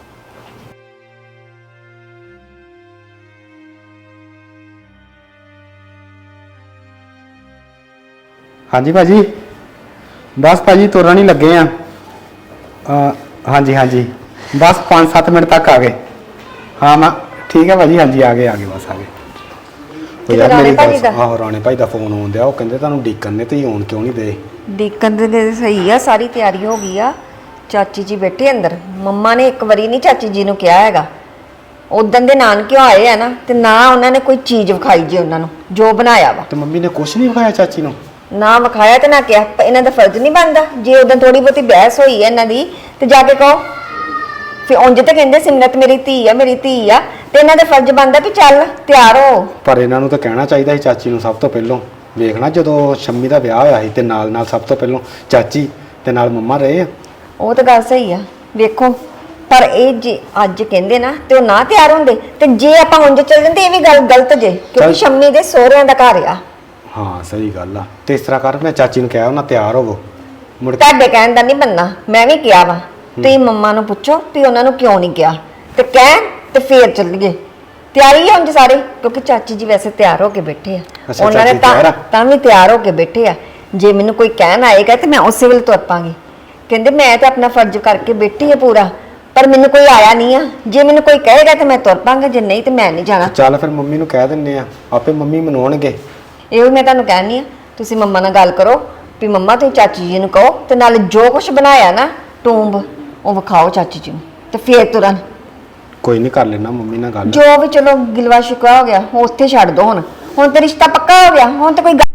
H: ਹਾਂਜੀ ਭਾਜੀ, ਬਸ ਭਾਜੀ ਤੁਰਨ ਹੀ ਲੱਗੇ ਆ। ਅ, ਹਾਂਜੀ ਹਾਂਜੀ ਬਸ ਪੰਜ ਸੱਤ ਮਿੰਟ ਤੱਕ ਆ ਗਏ। ਹਾਂ ਮੈਂ ਠੀਕ ਹੈ ਭਾਜੀ, ਹਾਂਜੀ ਆ ਗਏ ਆ ਗਏ ਬਸ ਆ ਗਏ। ਉਹ ਯਾਰ
F: ਰਾਣੇ
H: ਮੇਰੀ
F: ਭਾਜੀ
H: ਗੱਲ
F: ਦਾ?
H: ਆਹੋ ਰਾਣੇ ਭਾਈ ਦਾ ਫੋਨ ਆਉਂਦਿਆ, ਉਹ ਕਹਿੰਦੇ ਤੁਹਾਨੂੰ ਡੀਕਨ ਨੇ, ਤੁਸੀਂ ਆਉਣ ਕਿਉਂ ਨਹੀਂ ਦੇ?
F: ਡੀਕਨ ਦੇ ਸਹੀ ਆ, ਸਾਰੀ ਤਿਆਰੀ ਹੋ ਗਈ ਆ। ਚਾਚੀ ਜੀ ਬੈਠੇ ਅੰਦਰ। ਮੰਮਾ ਨੇ ਇੱਕ ਵਾਰੀ ਨਹੀਂ ਚਾਚੀ ਜੀ ਨੂੰ ਕਿਹਾ ਹੈਗਾ। ਉਦੋਂ ਦੇ ਨਾਨਕਿਓ ਆਏ ਆ ਨਾ, ਤੇ ਨਾ ਉਹਨਾਂ ਨੇ ਕੋਈ ਚੀਜ਼ ਵਿਖਾਈ ਜੇ ਉਹਨਾਂ ਨੂੰ ਜੋ ਬਣਾਇਆ ਵਾ।
H: ਤੇ ਮੰਮੀ ਨੇ ਕੁਝ ਨਹੀਂ ਵਿਖਾਇਆ ਚਾਚੀ ਨੂੰ?
F: ਨਾ ਵਿਖਾਇਆ ਤੇ ਨਾ ਕਿਹਾ। ਪਰ ਇਹਨਾਂ ਦਾ ਫਰਜ਼ ਨਹੀਂ ਬਣਦਾ, ਜੇ ਉਦੋਂ ਥੋੜੀ ਬਹੁਤੀ ਬਹਿਸ ਹੋਈ ਹੈ ਇਹਨਾਂ ਦੀ ਤੇ ਜਾ ਕੇ ਕਹੋ। ਫਿਰ ਉਂਝ ਤੇ ਕਹਿੰਦੇ ਸਿਮਰਤ ਮੇਰੀ ਧੀ ਆ, ਮੇਰੀ ਧੀ ਆ, ਤੇ ਇਹਨਾਂ ਦਾ ਫਰਜ਼ ਬਣਦਾ ਵੀ ਚੱਲ ਤਿਆਰ ਹੋ।
H: ਪਰ ਇਹਨਾਂ ਨੂੰ ਤਾਂ ਕਹਿਣਾ ਚਾਹੀਦਾ ਸੀ ਚਾਚੀ ਨੂੰ ਸਭ ਤੋਂ ਪਹਿਲਾਂ। ਵੇਖਣਾ ਜਦੋਂ ਸ਼ੰਮੀ ਦਾ ਵਿਆਹ ਹੋਇਆ ਸੀ ਤੇ ਨਾਲ ਨਾਲ ਸਭ ਤੋਂ ਪਹਿਲਾਂ ਚਾਚੀ ਤੇ ਨਾਲ ਮੰਮਾ ਰਹੇ ਆ।
F: ਉਹ ਤਾਂ ਗੱਲ ਸਹੀ ਆ, ਵੇਖੋ। ਪਰ ਇਹ ਜੇ ਅੱਜ ਕਹਿੰਦੇ ਨਾ ਤੇ ਉਹ ਨਾ ਤਿਆਰ ਹੁੰਦੇ, ਤੇ ਜੇ ਆਪਾਂ ਉਂਝ ਚੱਲ ਜਾਂਦੇ ਇਹ ਵੀ ਗੱਲ ਗਲਤ ਜੇ, ਕਿਉਂਕਿ
H: ਚੱਲ।
F: ਸ਼ੰਮੀ ਦੇ ਸਹੁਰਿਆਂ ਦਾ ਘਰ ਆ।
H: ਹਾਂ ਸਹੀ ਗੱਲ ਆ। ਤੇ ਇਸ ਤਰ੍ਹਾਂ ਕਰ, ਮੈਂ ਚਾਚੀ ਨੂੰ ਕਿਹਾ ਉਹਨਾਂ ਤਿਆਰ ਹੋਵੋ ਮੁੜ ਕੇ।
F: ਤੁਹਾਡੇ ਕਹਿਣ ਦਾ ਨਹੀਂ ਬੰਨਾ, ਮੈਂ ਵੀ ਕਿਹਾ ਵਾ। ਤੁਸੀਂ ਮੰਮਾ ਨੂੰ ਪੁੱਛੋ ਵੀ ਉਹਨਾਂ ਨੂੰ ਕਿਉਂ ਨਹੀਂ ਕਿਹਾ, ਤੇ ਕਹਿ ਤੇ ਫੇਰ ਚੱਲੀਏ। ਤਿਆਰੀ ਆ ਉਂਝ ਸਾਰੇ, ਕਿਉਂਕਿ ਚਾਚੀ ਜੀ ਵੈਸੇ ਤਿਆਰ ਹੋ ਕੇ ਬੈਠੇ ਆ।
H: ਅੱਛਾ,
F: ਉਹਨਾਂ ਨੇ
H: ਚਾਚੀ ਤਿਆਰ ਆ?
F: ਤਾਂ ਤਾਂ ਵੀ ਤਿਆਰ ਹੋ ਕੇ ਬੈਠੇ ਆ। ਜੇ ਮੈਨੂੰ ਕੋਈ ਕਹਿਣ ਆਏਗਾ ਤੇ ਮੈਂ ਉਸੇ ਵੇਲੇ ਤੁਰ ਪਾਂਗੀ। ਕਹਿੰਦੇ ਮੈਂ ਤਾਂ ਆਪਣਾ ਫਰਜ਼ ਕਰਕੇ ਬੈਠੀ ਆ ਪੂਰਾ, ਪਰ ਮੈਨੂੰ ਕੋਈ ਆਇਆ ਨਹੀਂ ਆ। ਜੇ ਮੈਨੂੰ ਕੋਈ ਕਹੇਗਾ ਤੇ ਮੈਂ ਤੁਰ ਪਾਂਗਾ, ਜੇ ਨਹੀਂ ਤੇ ਮੈਂ ਨਹੀਂ ਜਾਣਾ।
H: ਚੱਲ ਫਿਰ ਮੰਮੀ ਨੂੰ ਕਹਿ ਦਿੰਨੇ ਆ, ਆਪੇ ਮੰਮੀ ਮਨਾਉਣਗੇ।
F: ਇਹੋ ਮੈਂ ਤੁਹਾਨੂੰ ਕਹਿਣੀ ਆ, ਤੁਸੀਂ ਮੰਮਾ ਨਾਲ ਗੱਲ ਕਰੋ ਵੀ ਮੰਮਾ ਤੁਸੀਂ ਚਾਚੀ ਜੀ ਨੂੰ ਕਹੋ, ਤੇ ਨਾਲ ਜੋ ਕੁਝ ਬਣਾਇਆ ਨਾ ਟੂੰਬ ਉਹ ਵਿਖਾਓ ਚਾਚੀ ਜੀ ਨੂੰ, ਤੇ ਫੇਰ ਤੁਰਨ।
H: ਕੋਈ ਨਹੀਂ ਕਰ ਲੈਣਾ ਮੰਮੀ ਨਾਲ ਗੱਲ।
F: ਜੋ ਵੀ ਚਲੋ ਗਿਲਵਾ ਸ਼ਿਕਵਾ ਹੋ ਗਿਆ ਉਹ ਉੱਥੇ ਛੱਡ ਦੋ। ਹੁਣ ਹੁਣ ਤੇ ਰਿਸ਼ਤਾ ਪੱਕਾ ਹੋ ਗਿਆ, ਹੁਣ ਤਾਂ ਕੋਈ ਗੱਲ-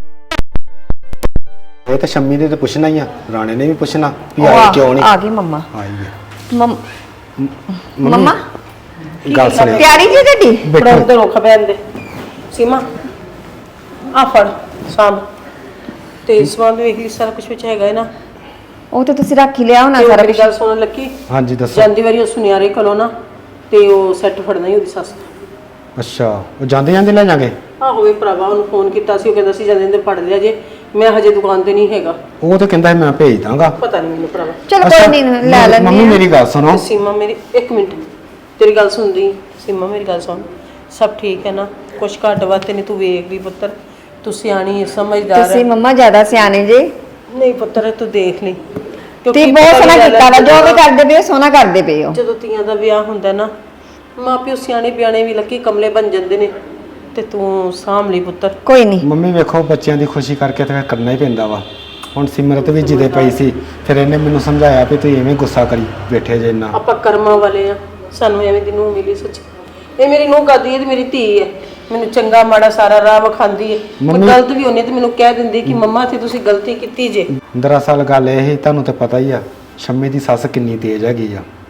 H: ਇਹ ਤਾਂ ਸ਼ੰਮੀ ਨੇ ਤੇ ਪੁੱਛਣਾ ਹੀ ਆ, ਰਾਣੇ ਨੇ ਵੀ ਪੁੱਛਣਾ ਵੀ
F: ਉਹ
H: ਆਏ
F: ਆ-
H: ਕਿਉਂ ਨਹੀਂ।
F: ਆ ਗਈ ਮੰਮਾ।
H: ਆਈ ਹੈ
F: ਮੰਮ-
H: ਮੰਮੀ,
F: ਮੰਮਾ
H: ਗੱਲ ਸੁਣਿਓ।
F: ਤਿਆਰੀ ਜੀ ਤੁਹਾਡੀ?
E: ਬੜਾ ਤੇ ਰੋਖ ਪੈਣ ਦੇ। ਸੀਮਾ ਆ ਫੜ ਸਾਂਭ ਤੇ ਸਮਾਨ ਵੇਖ ਲਈ, ਸਾਰਾ ਕੁਝ ਵਿੱਚ ਹੈਗਾ ਹੈ ਨਾ?
F: ਉਹ ਤੇ ਤੁਸੀਂ ਰੱਖ ਹੀ ਲਿਆ ਹੋਣਾ
E: ਤੇ ਉਹ
F: ਸਾਰਾ
E: ਮੇਰੀ
F: ਕੁਝ।
E: ਗੱਲ ਸੁਣਨ ਲੱਗੀ,
H: ਹਾਂਜੀ ਦੱਸੋ।
E: ਜਾਂਦੀ ਵਾਰੀ ਉਹ ਸੁਨਿਆਰੇ ਕੋਲੋਂ ਨਾ ਤੇ ਉਹ ਸੈੱਟ ਫੜਨਾ ਹੀ ਉਹਦੀ ਸੱਸ ਦਾ।
H: ਅੱਛਾ, ਉਹ ਜਾਂਦੇ ਜਾਂਦੇ ਲੈ ਜਾਗੇ।
E: ਆਹੋ ਵੀ ਭਰਾਵਾ ਉਹਨੂੰ ਫੋਨ ਕੀਤਾ ਸੀ, ਉਹ ਕਹਿੰਦਾ ਸੀ ਜਾਂਦੇ ਜਾਂਦੇ ਫੜ ਲਿਆ ਜੇ, ਮੈਂ ਹਜੇ ਦੁਕਾਨ ਤੇ ਨਹੀਂ ਹੈਗਾ।
H: ਉਹ ਤਾਂ ਕਹਿੰਦਾ ਸੀ ਮੈਂ ਭੇਜ ਦਾਂਗਾ।
E: ਪਤਾ ਨਹੀਂ ਮੈਨੂੰ ਭਰਾਵਾ।
F: ਚਲੋ ਕੋਈ ਨਹੀਂ, ਲੈ ਲੈਂਦੇ
H: ਮੰਮੀ
F: ਆ।
H: ਮੇਰੀ ਗੱਲ ਸੁਣੋ।
E: ਤੇ ਸੀਮਾ ਮੇਰੀ ਇੱਕ ਮਿੰਟ, ਤੇਰੀ ਗੱਲ ਸੁਣਦੀ। ਸੀਮਾ ਮੇਰੀ ਗੱਲ ਸੁਣ, ਸਭ ਠੀਕ ਹੈ ਨਾ? ਕੁਛ ਘੱਟ ਵੱਧ ਤੇ ਨਹੀਂ, ਤੂੰ ਵੇਖ ਲਈ ਪੁੱਤਰ, ਤੂੰ ਸਿਆਣੀ ਸਮਝਦਾਰ
F: ਤੁਸੀਂ
E: ਹੈ।
F: ਮੰਮਾ ਜ਼ਿਆਦਾ ਸਿਆਣੇ ਜੇ।
E: ਨਹੀਂ ਪੁੱਤਰ ਤੂੰ ਦੇਖ ਲਈ,
F: ਤੁਸੀਂ ਬਹੁਤ
E: ਪਤਾ
F: ਸੋਹਣਾ
E: ਗੱਲ ਹੈ,
F: ਕੀਤਾ ਵਾ, ਜੋ ਵੀ
E: ਜਦੋਂ-
F: ਕਰਦੇ ਪਏ ਹੋ ਸੋਹਣਾ ਕਰਦੇ ਪਏ ਹੋ।
E: ਜਦੋਂ ਧੀਆਂ ਦਾ ਵਿਆਹ ਹੁੰਦਾ ਨਾ, ਮਾਂ ਪਿਓ ਸਿਆਣੇ ਬਿਆਣੇ ਵੀ ਲੱਕੀ ਕਮਲੇ ਬਣ ਜਾਂਦੇ ਨੇ, ਤੇ ਤੂੰ ਸਾਂਭ ਲਈ ਪੁੱਤਰ।
F: ਕੋਈ ਨਹੀਂ,
H: ਮੰਮੀ ਵੇਖੋ ਬੱਚਿਆਂ ਦੀ ਖੁਸ਼ੀ ਕਰਕੇ ਤਾਂ ਫਿਰ ਕਰਨਾ ਹੀ ਪੈਂਦਾ ਵਾ। ਹੁਣ ਸਿਮਰਤ ਵੀ ਜਿੱਦੇ ਪਈ ਸੀ, ਫਿਰ ਇਹਨੇ ਮੈਨੂੰ ਸਮਝਾਇਆ ਵੀ ਤੁਸੀਂ ਐਵੇਂ ਗੁੱਸਾ ਕਰੀ ਬੈਠੇ ਜੇ ਇੰਨਾ।
E: ਆਪਾਂ ਕਰਮਾਂ ਵਾਲੇ ਆ, ਸਾਨੂੰ ਐਵੇਂ ਦੀ ਨੂੰਹ ਮਿਲੀ ਸੱਚ। ਇਹ ਮੇਰੀ ਨੂੰਹ ਕਰਦੀ ਹੈ ਤੇ ਮੇਰੀ ਧੀ ਹੈ, ਮੈਨੂੰ ਚੰਗਾ ਮਾੜਾ ਸਾਰਾ ਰਾਹ ਵਿਖਾਉਂਦੀ ਹੈ। ਕੋਈ
H: ਮੰਮੀ-
E: ਗਲਤ ਵੀ ਹੋਣੀ ਤੇ ਮੈਨੂੰ ਕਹਿ ਦਿੰਦੀ ਕਿ ਮੰਮਾ ਤੇ ਤੁਸੀਂ ਗਲਤੀ ਕੀਤੀ ਜੇ।
H: ਦਰਅਸਲ ਗੱਲ ਇਹ ਹੀ, ਤੁਹਾਨੂੰ ਤਾਂ ਪਤਾ ਹੀ ਆ ਸ਼ੰਮੀ ਦੀ ਸੱਸ ਕਿੰਨੀ ਤੇਜ਼ ਹੈਗੀ ਆ।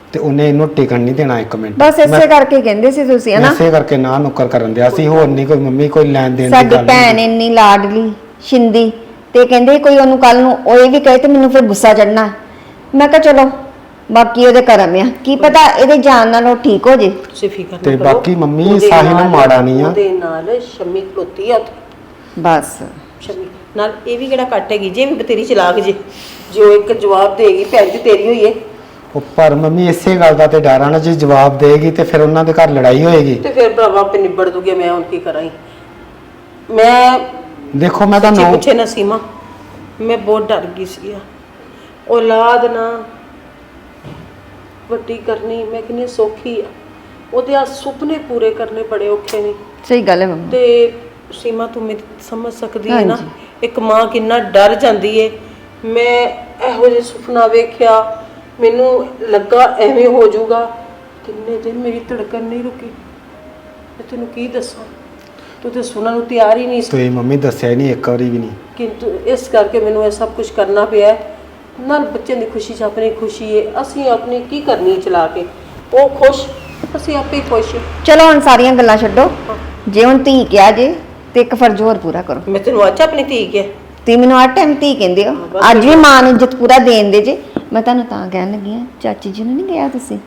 H: ਤੇ ਉਹਨੇ ਇਹਨੂੰ ਟਿਕਣ ਨਹੀਂ ਦੇਣਾ ਇੱਕ ਮਿੰਟ।
F: ਬਸ ਇਸੇ ਕਰਕੇ ਕਹਿੰਦੇ ਸੀ ਤੁਸੀਂ ਹਨਾ,
H: ਇਸੇ ਕਰਕੇ ਨਾ ਨੁੱਕਰ ਕਰਨ ਦਿਆ ਸੀ, ਹੋਰ ਨਹੀਂ ਕੋਈ ਮੰਮੀ ਕੋਈ ਲੈਣ ਦੇਣ ਦੀ
F: ਸਾਡੀ
H: ਗੱਲ
F: ਭੈਣ
H: ਨਹੀਂ।
F: ਇੰਨੀ ਲਾਡਲੀ ਸ਼ਿੰਦੀ, ਤੇ ਕਹਿੰਦੇ ਕੋਈ ਉਹਨੂੰ ਕੱਲ ਨੂੰ ਉਹ ਇਹ ਵੀ ਕਹੇ ਤੇ ਮੈਨੂੰ ਫਿਰ ਗੁੱਸਾ ਚੜਨਾ। ਮੈਂ ਕਿਹਾ ਚਲੋ ਬਾਕੀ ਉਹਦੇ ਕਰਮ ਆ, ਕੀ ਪਤਾ ਇਹਦੇ ਜਾਣ ਨਾਲ ਉਹ ਠੀਕ ਹੋ ਜੇ।
E: ਤੁਸੀਂ ਫਿਕਰ
H: ਤੇ
E: ਨਾ ਕਰੋ।
H: ਬਾਕੀ ਮੰਮੀ
E: ਉਹਦੇ
H: ਸਾਹਿਲ
E: ਨਾਲ-
H: ਮਾੜਾ ਨਹੀਂ ਆ।
E: ਉਹਦੇ ਨਾਲ ਸ਼ਮੀ ਖਲੋਤੀ ਆ ਉੱਥੇ।
F: ਬਸ
E: ਸ਼ਮੀ ਨਾਲ ਇਹ ਵੀ ਕਿਹੜਾ ਕੱਟ ਹੈਗੀ ਜੇ, ਵੀ ਬਤੇਰੀ ਚਲਾਕ ਜੇ, ਜੇ ਉਹ ਇੱਕ ਜਵਾਬ ਦੇਗੀ ਭੈਣ ਜੀ ਤੇਰੀ ਹੋਈ ਏ।
H: ਉਹ ਪਰ ਮੰਮੀ ਇਸੇ ਗੱਲ ਦਾ ਤੇ ਡਰ ਆ ਨਾ, ਜੇ ਜਵਾਬ ਦੇਗੀ ਤੇ ਫਿਰ ਉਹਨਾਂ ਦੇ ਘਰ ਲੜਾਈ ਹੋਏਗੀ।
E: ਤੇ ਫਿਰ ਭਰਾਵਾ ਆਪੇ ਨਿਬੜ ਦੂਗੇ, ਮੈਂ ਹੁਣ ਕੀ ਕਰਾਂ। ਮੈਂ
H: ਦੇਖੋ ਮੈਂ
E: ਸੱਚੀ
H: ਤੁਹਾਨੂੰ
E: ਪੁੱਛੇ ਨਾ ਸੀਮਾ, ਮੈਂ ਬਹੁਤ ਡਰ ਗਈ ਸੀ। ਔਲਾਦ ਨਾ ਵੱਡੀ ਕਰਨੀ ਮੈਂ ਕਿੰਨੀ ਸੌਖੀ ਆ, ਉਹਦੇ ਆ ਸੁਪਨੇ ਪੂਰੇ ਕਰਨੇ ਬੜੇ ਔਖੇ ਨੇ।
F: ਸਹੀ ਗੱਲ ਹੈ ਮੰਮੀ।
E: ਤੇ ਸੀਮਾ ਤੂੰ ਮੇਰੀ ਸਮਝ ਸਕਦੀ ਹੈ ਨਾ, ਇੱਕ ਮਾਂ ਕਿੰਨਾ ਡਰ ਜਾਂਦੀ ਏ। ਮੈਂ ਇਹੋ ਜਿਹਾ ਸੁਪਨਾ ਵੇਖਿਆ, ਮੈਨੂੰ ਲੱਗਾ ਐਵੇਂ ਹੋ ਜਾਊਗਾ। ਕਿੰਨੇ ਦਿਨ ਮੇਰੀ ਧੜਕਣ ਨਹੀਂ ਰੁਕੀ। ਮੈਂ ਤੈਨੂੰ ਕੀ ਦੱਸਾਂ, ਤੂੰ ਤੇ ਸੁਣਨ ਨੂੰ ਤਿਆਰ ਹੀ ਨਹੀਂ ਸੀ।
H: ਤੁਸੀਂ ਮੰਮੀ ਦੱਸਿਆ ਹੀ ਨਹੀਂ ਇੱਕ ਵਾਰੀ ਵੀ ਨਹੀਂ।
E: ਕਿੰਤੂ ਇਸ ਕਰਕੇ ਮੈਨੂੰ ਇਹ ਸਭ ਕੁਝ ਕਰਨਾ ਪਿਆ ਹੈ। ਨਾਲ ਬੱਚਿਆਂ ਦੀ ਖੁਸ਼ੀ 'ਚ ਆਪਣੀ ਖੁਸ਼ੀ ਹੈ, ਅਸੀਂ ਆਪਣੀ ਕੀ ਕਰਨੀ ਚਲਾ ਕੇ। ਉਹ ਖੁਸ਼, ਅਸੀਂ ਆਪੇ ਹੀ ਖੁਸ਼।
F: ਚਲੋ ਹੁਣ ਸਾਰੀਆਂ ਗੱਲਾਂ ਛੱਡੋ, ਜੇ ਹੁਣ ਧੀ ਕਿਹਾ ਜੇ ਤੇ ਇੱਕ ਫਰਜ਼ ਹੋਰ ਪੂਰਾ ਕਰੋ।
E: ਮੈਂ ਤੈਨੂੰ ਅੱਜ ਆਪਣੀ ਧੀ ਕਿਹਾ,
F: ਤੇ ਮੈਨੂੰ ਹਰ ਟਾਈਮ ਧੀ ਕਹਿੰਦੇ ਹੋ, ਅੱਜ ਵੀ ਮਾਂ ਨੂੰ ਇੱਜ਼ਤ ਪੂਰਾ ਦੇਣ ਦੇ ਜੇ। ਮੈਂ ਤੁਹਾਨੂੰ ਤਾਂ ਕਹਿਣ ਲੱਗੀ ਆ, ਚਾਚੀ ਜੀ ਨੂੰ ਨਹੀਂ ਕਿਹਾ ਤੁਸੀਂ?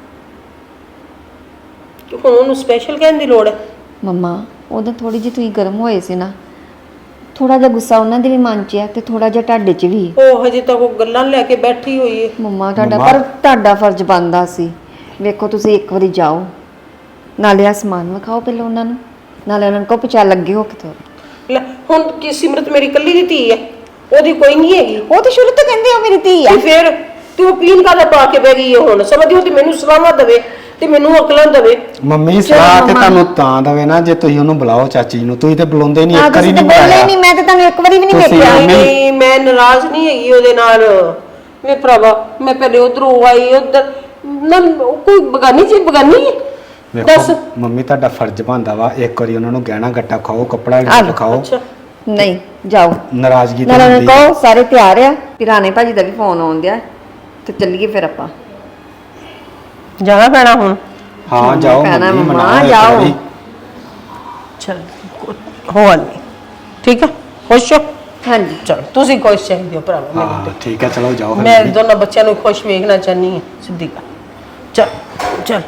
E: ਕਿ ਹੁਣ ਉਹਨੂੰ ਸਪੈਸ਼ਲ ਕਹਿਣ ਦੀ ਲੋੜ ਹੈ?
F: ਮੰਮਾ ਉਦੋਂ ਥੋੜੀ ਜਿਹੀ ਤੁਸੀਂ ਗਰਮ ਹੋਏ ਸੀ ਨਾ, ਥੋੜਾ ਜਿਹਾ ਗੁੱਸਾ ਉਹਨਾਂ ਦੇ ਵੀ ਮਨ 'ਚ ਆ ਤੇ ਥੋੜਾ ਜਿਹਾ ਤੁਹਾਡੇ 'ਚ ਵੀ।
E: ਉਹ ਹਜੇ ਤੱਕ ਉਹ ਗੱਲਾਂ ਲੈ ਕੇ ਬੈਠੀ ਹੋਈ ਹੈ।
F: ਮੰਮਾ ਤੁਹਾਡਾ
H: ਮੰਮਾ।
F: ਪਰ ਤੁਹਾਡਾ ਫਰਜ਼ ਬਣਦਾ ਸੀ। ਵੇਖੋ ਤੁਸੀਂ ਇੱਕ ਵਾਰੀ ਜਾਓ, ਨਾਲੇ ਆ ਸਮਾਨ ਵਿਖਾਓ ਪਹਿਲਾਂ ਉਹਨਾਂ ਨੂੰ, ਨਾਲੇ ਉਹਨਾਂ ਨੂੰ ਕਹੋ ਪਚਾ ਲੱਗੇ ਹੋ ਕਿਥੋਂ।
E: ਲੈ ਹੁਣ ਕੀ ਸਿਮਰਤ ਮੇਰੀ ਇਕੱਲੀ ਦੀ ਧੀ ਹੈ, ਉਹਦੀ ਕੋਈ ਨਹੀਂ ਹੈਗੀ।
F: ਉਹ ਤੇ ਸ਼ੁਰੂ ਤੋਂ ਕਹਿੰਦੇ ਹੋ ਮੇਰੀ ਧੀ ਆ।
E: ਤੇ ਫਿਰ ਤੂੰ ਪੀਣ ਕਾਹਦਾ ਪਾ ਕੇ ਬਹਿ ਗਈ ਹੈ ਹੁਣ? ਸਮਝਦੀ ਉਹ ਤੇ ਮੈਨੂੰ ਸਲਾਹਾਂ ਦੇਵੇ ਤੇ ਮੈਨੂੰ ਅਕਲਾਂ ਦੇਵੇ।
H: ਮੰਮੀ ਸਲਾਹ ਤੇ ਤੁਹਾਨੂੰ ਤਾਂ ਦਵੇ ਨਾ ਜੇ ਤੁਸੀਂ ਉਹਨੂੰ ਬੁਲਾਓ ਚਾਚੀ ਨੂੰ, ਤੁਸੀਂ ਤੇ ਬੁਲਾਉਂਦੇ ਨਹੀਂ,
F: ਆ
H: ਇੱਕ ਵਾਰੀ
F: ਤੁਸੀਂ ਤਾਂ
H: ਨਹੀਂ
F: ਬੋਲੇ
H: ਬੁਲਾਇਆ।
F: ਨਹੀਂ, ਮੈਂ ਤਾਂ ਤੁਹਾਨੂੰ ਇੱਕ ਵਾਰੀ ਵੀ ਨਹੀਂ
H: ਤੁਸੀਂ
F: ਵੇਖਿਆ।
H: ਮੰਮੀ-
E: ਨਹੀਂ ਮੈਂ ਨਾਰਾਜ਼ ਨਹੀਂ ਹੈਗੀ ਉਹਦੇ ਨਾਲ। ਵੇ ਭਰਾਵਾ ਮੈਂ ਪਹਿਲੇ ਉਧਰੋਂ ਆਈ, ਉਧਰ ਨਾ ਕੋਈ ਬਗਾਨੀ ਚੀਜ਼ ਬਗਾਨੀ ਹੈ। ਦੱਸ।
H: ਵੇਖੋ ਮੰਮੀ ਤੁਹਾਡਾ ਫਰਜ਼ ਬਣਦਾ ਵਾ ਇੱਕ ਵਾਰੀ ਉਹਨਾਂ ਨੂੰ ਗਹਿਣਾ ਗੱਟਾ ਖਾਓ, ਕੱਪੜਾ
F: ਆ
H: ਵੀ
F: ਲਓ।
H: ਖਾਓ।
E: ਅੱਛਾ
F: ਨਹੀਂ ਜਾਓ,
H: ਨਾਰਾਜ਼ਗੀ ਤਾਂ
F: ਨਾਲੇ ਉਹਨਾਂ
H: ਹੁੰਦੀ
F: ਨੂੰ
H: ਆ।
F: ਕਹੋ ਸਾਰੇ ਤਿਆਰ ਆ, ਪਿਰਾਣੇ ਭਾਜੀ ਦਾ ਵੀ ਫੋਨ ਆਉਣ ਡਿਆ ਤੇ ਚੱਲੀਏ ਫਿਰ ਆਪਾਂ।
E: ਜਾਣਾ ਪੈਣਾ ਹੁਣ।
H: ਹਾਂ ਜਾਓ
F: ਭੈਣਾ
H: ਮੰਮੀ
F: ਮੰਮਾ,
H: ਮਨਾਓ ਇੱਕ
F: ਜਾਓ।
H: ਵਾਰੀ।
E: ਚਲ ਹੋ ਨਹੀਂ ਠੀਕ ਹੈ, ਖੁਸ਼ ਹੋ?
F: ਹਾਂਜੀ
E: ਚਲ ਤੁਸੀਂ ਖੁਸ਼ ਚਾਹੀਦੇ ਹੋ ਭਰਾਵਾ ਮੈਨੂੰ
H: ਹਾਂ ਠੀਕ ਹੈ, ਚਲੋ ਜਾਓ
E: ਤੇ।
H: ਫਿਰ
E: ਮੈਂ
H: ਮੰਮੀ।
E: ਦੋਨਾਂ ਬੱਚਿਆਂ ਨੂੰ ਖੁਸ਼ ਵੇਖਣਾ ਚਾਹਨੀ ਹਾਂ, ਸਿੱਧੀ ਗੱਲ। ਚਲ ਚਲ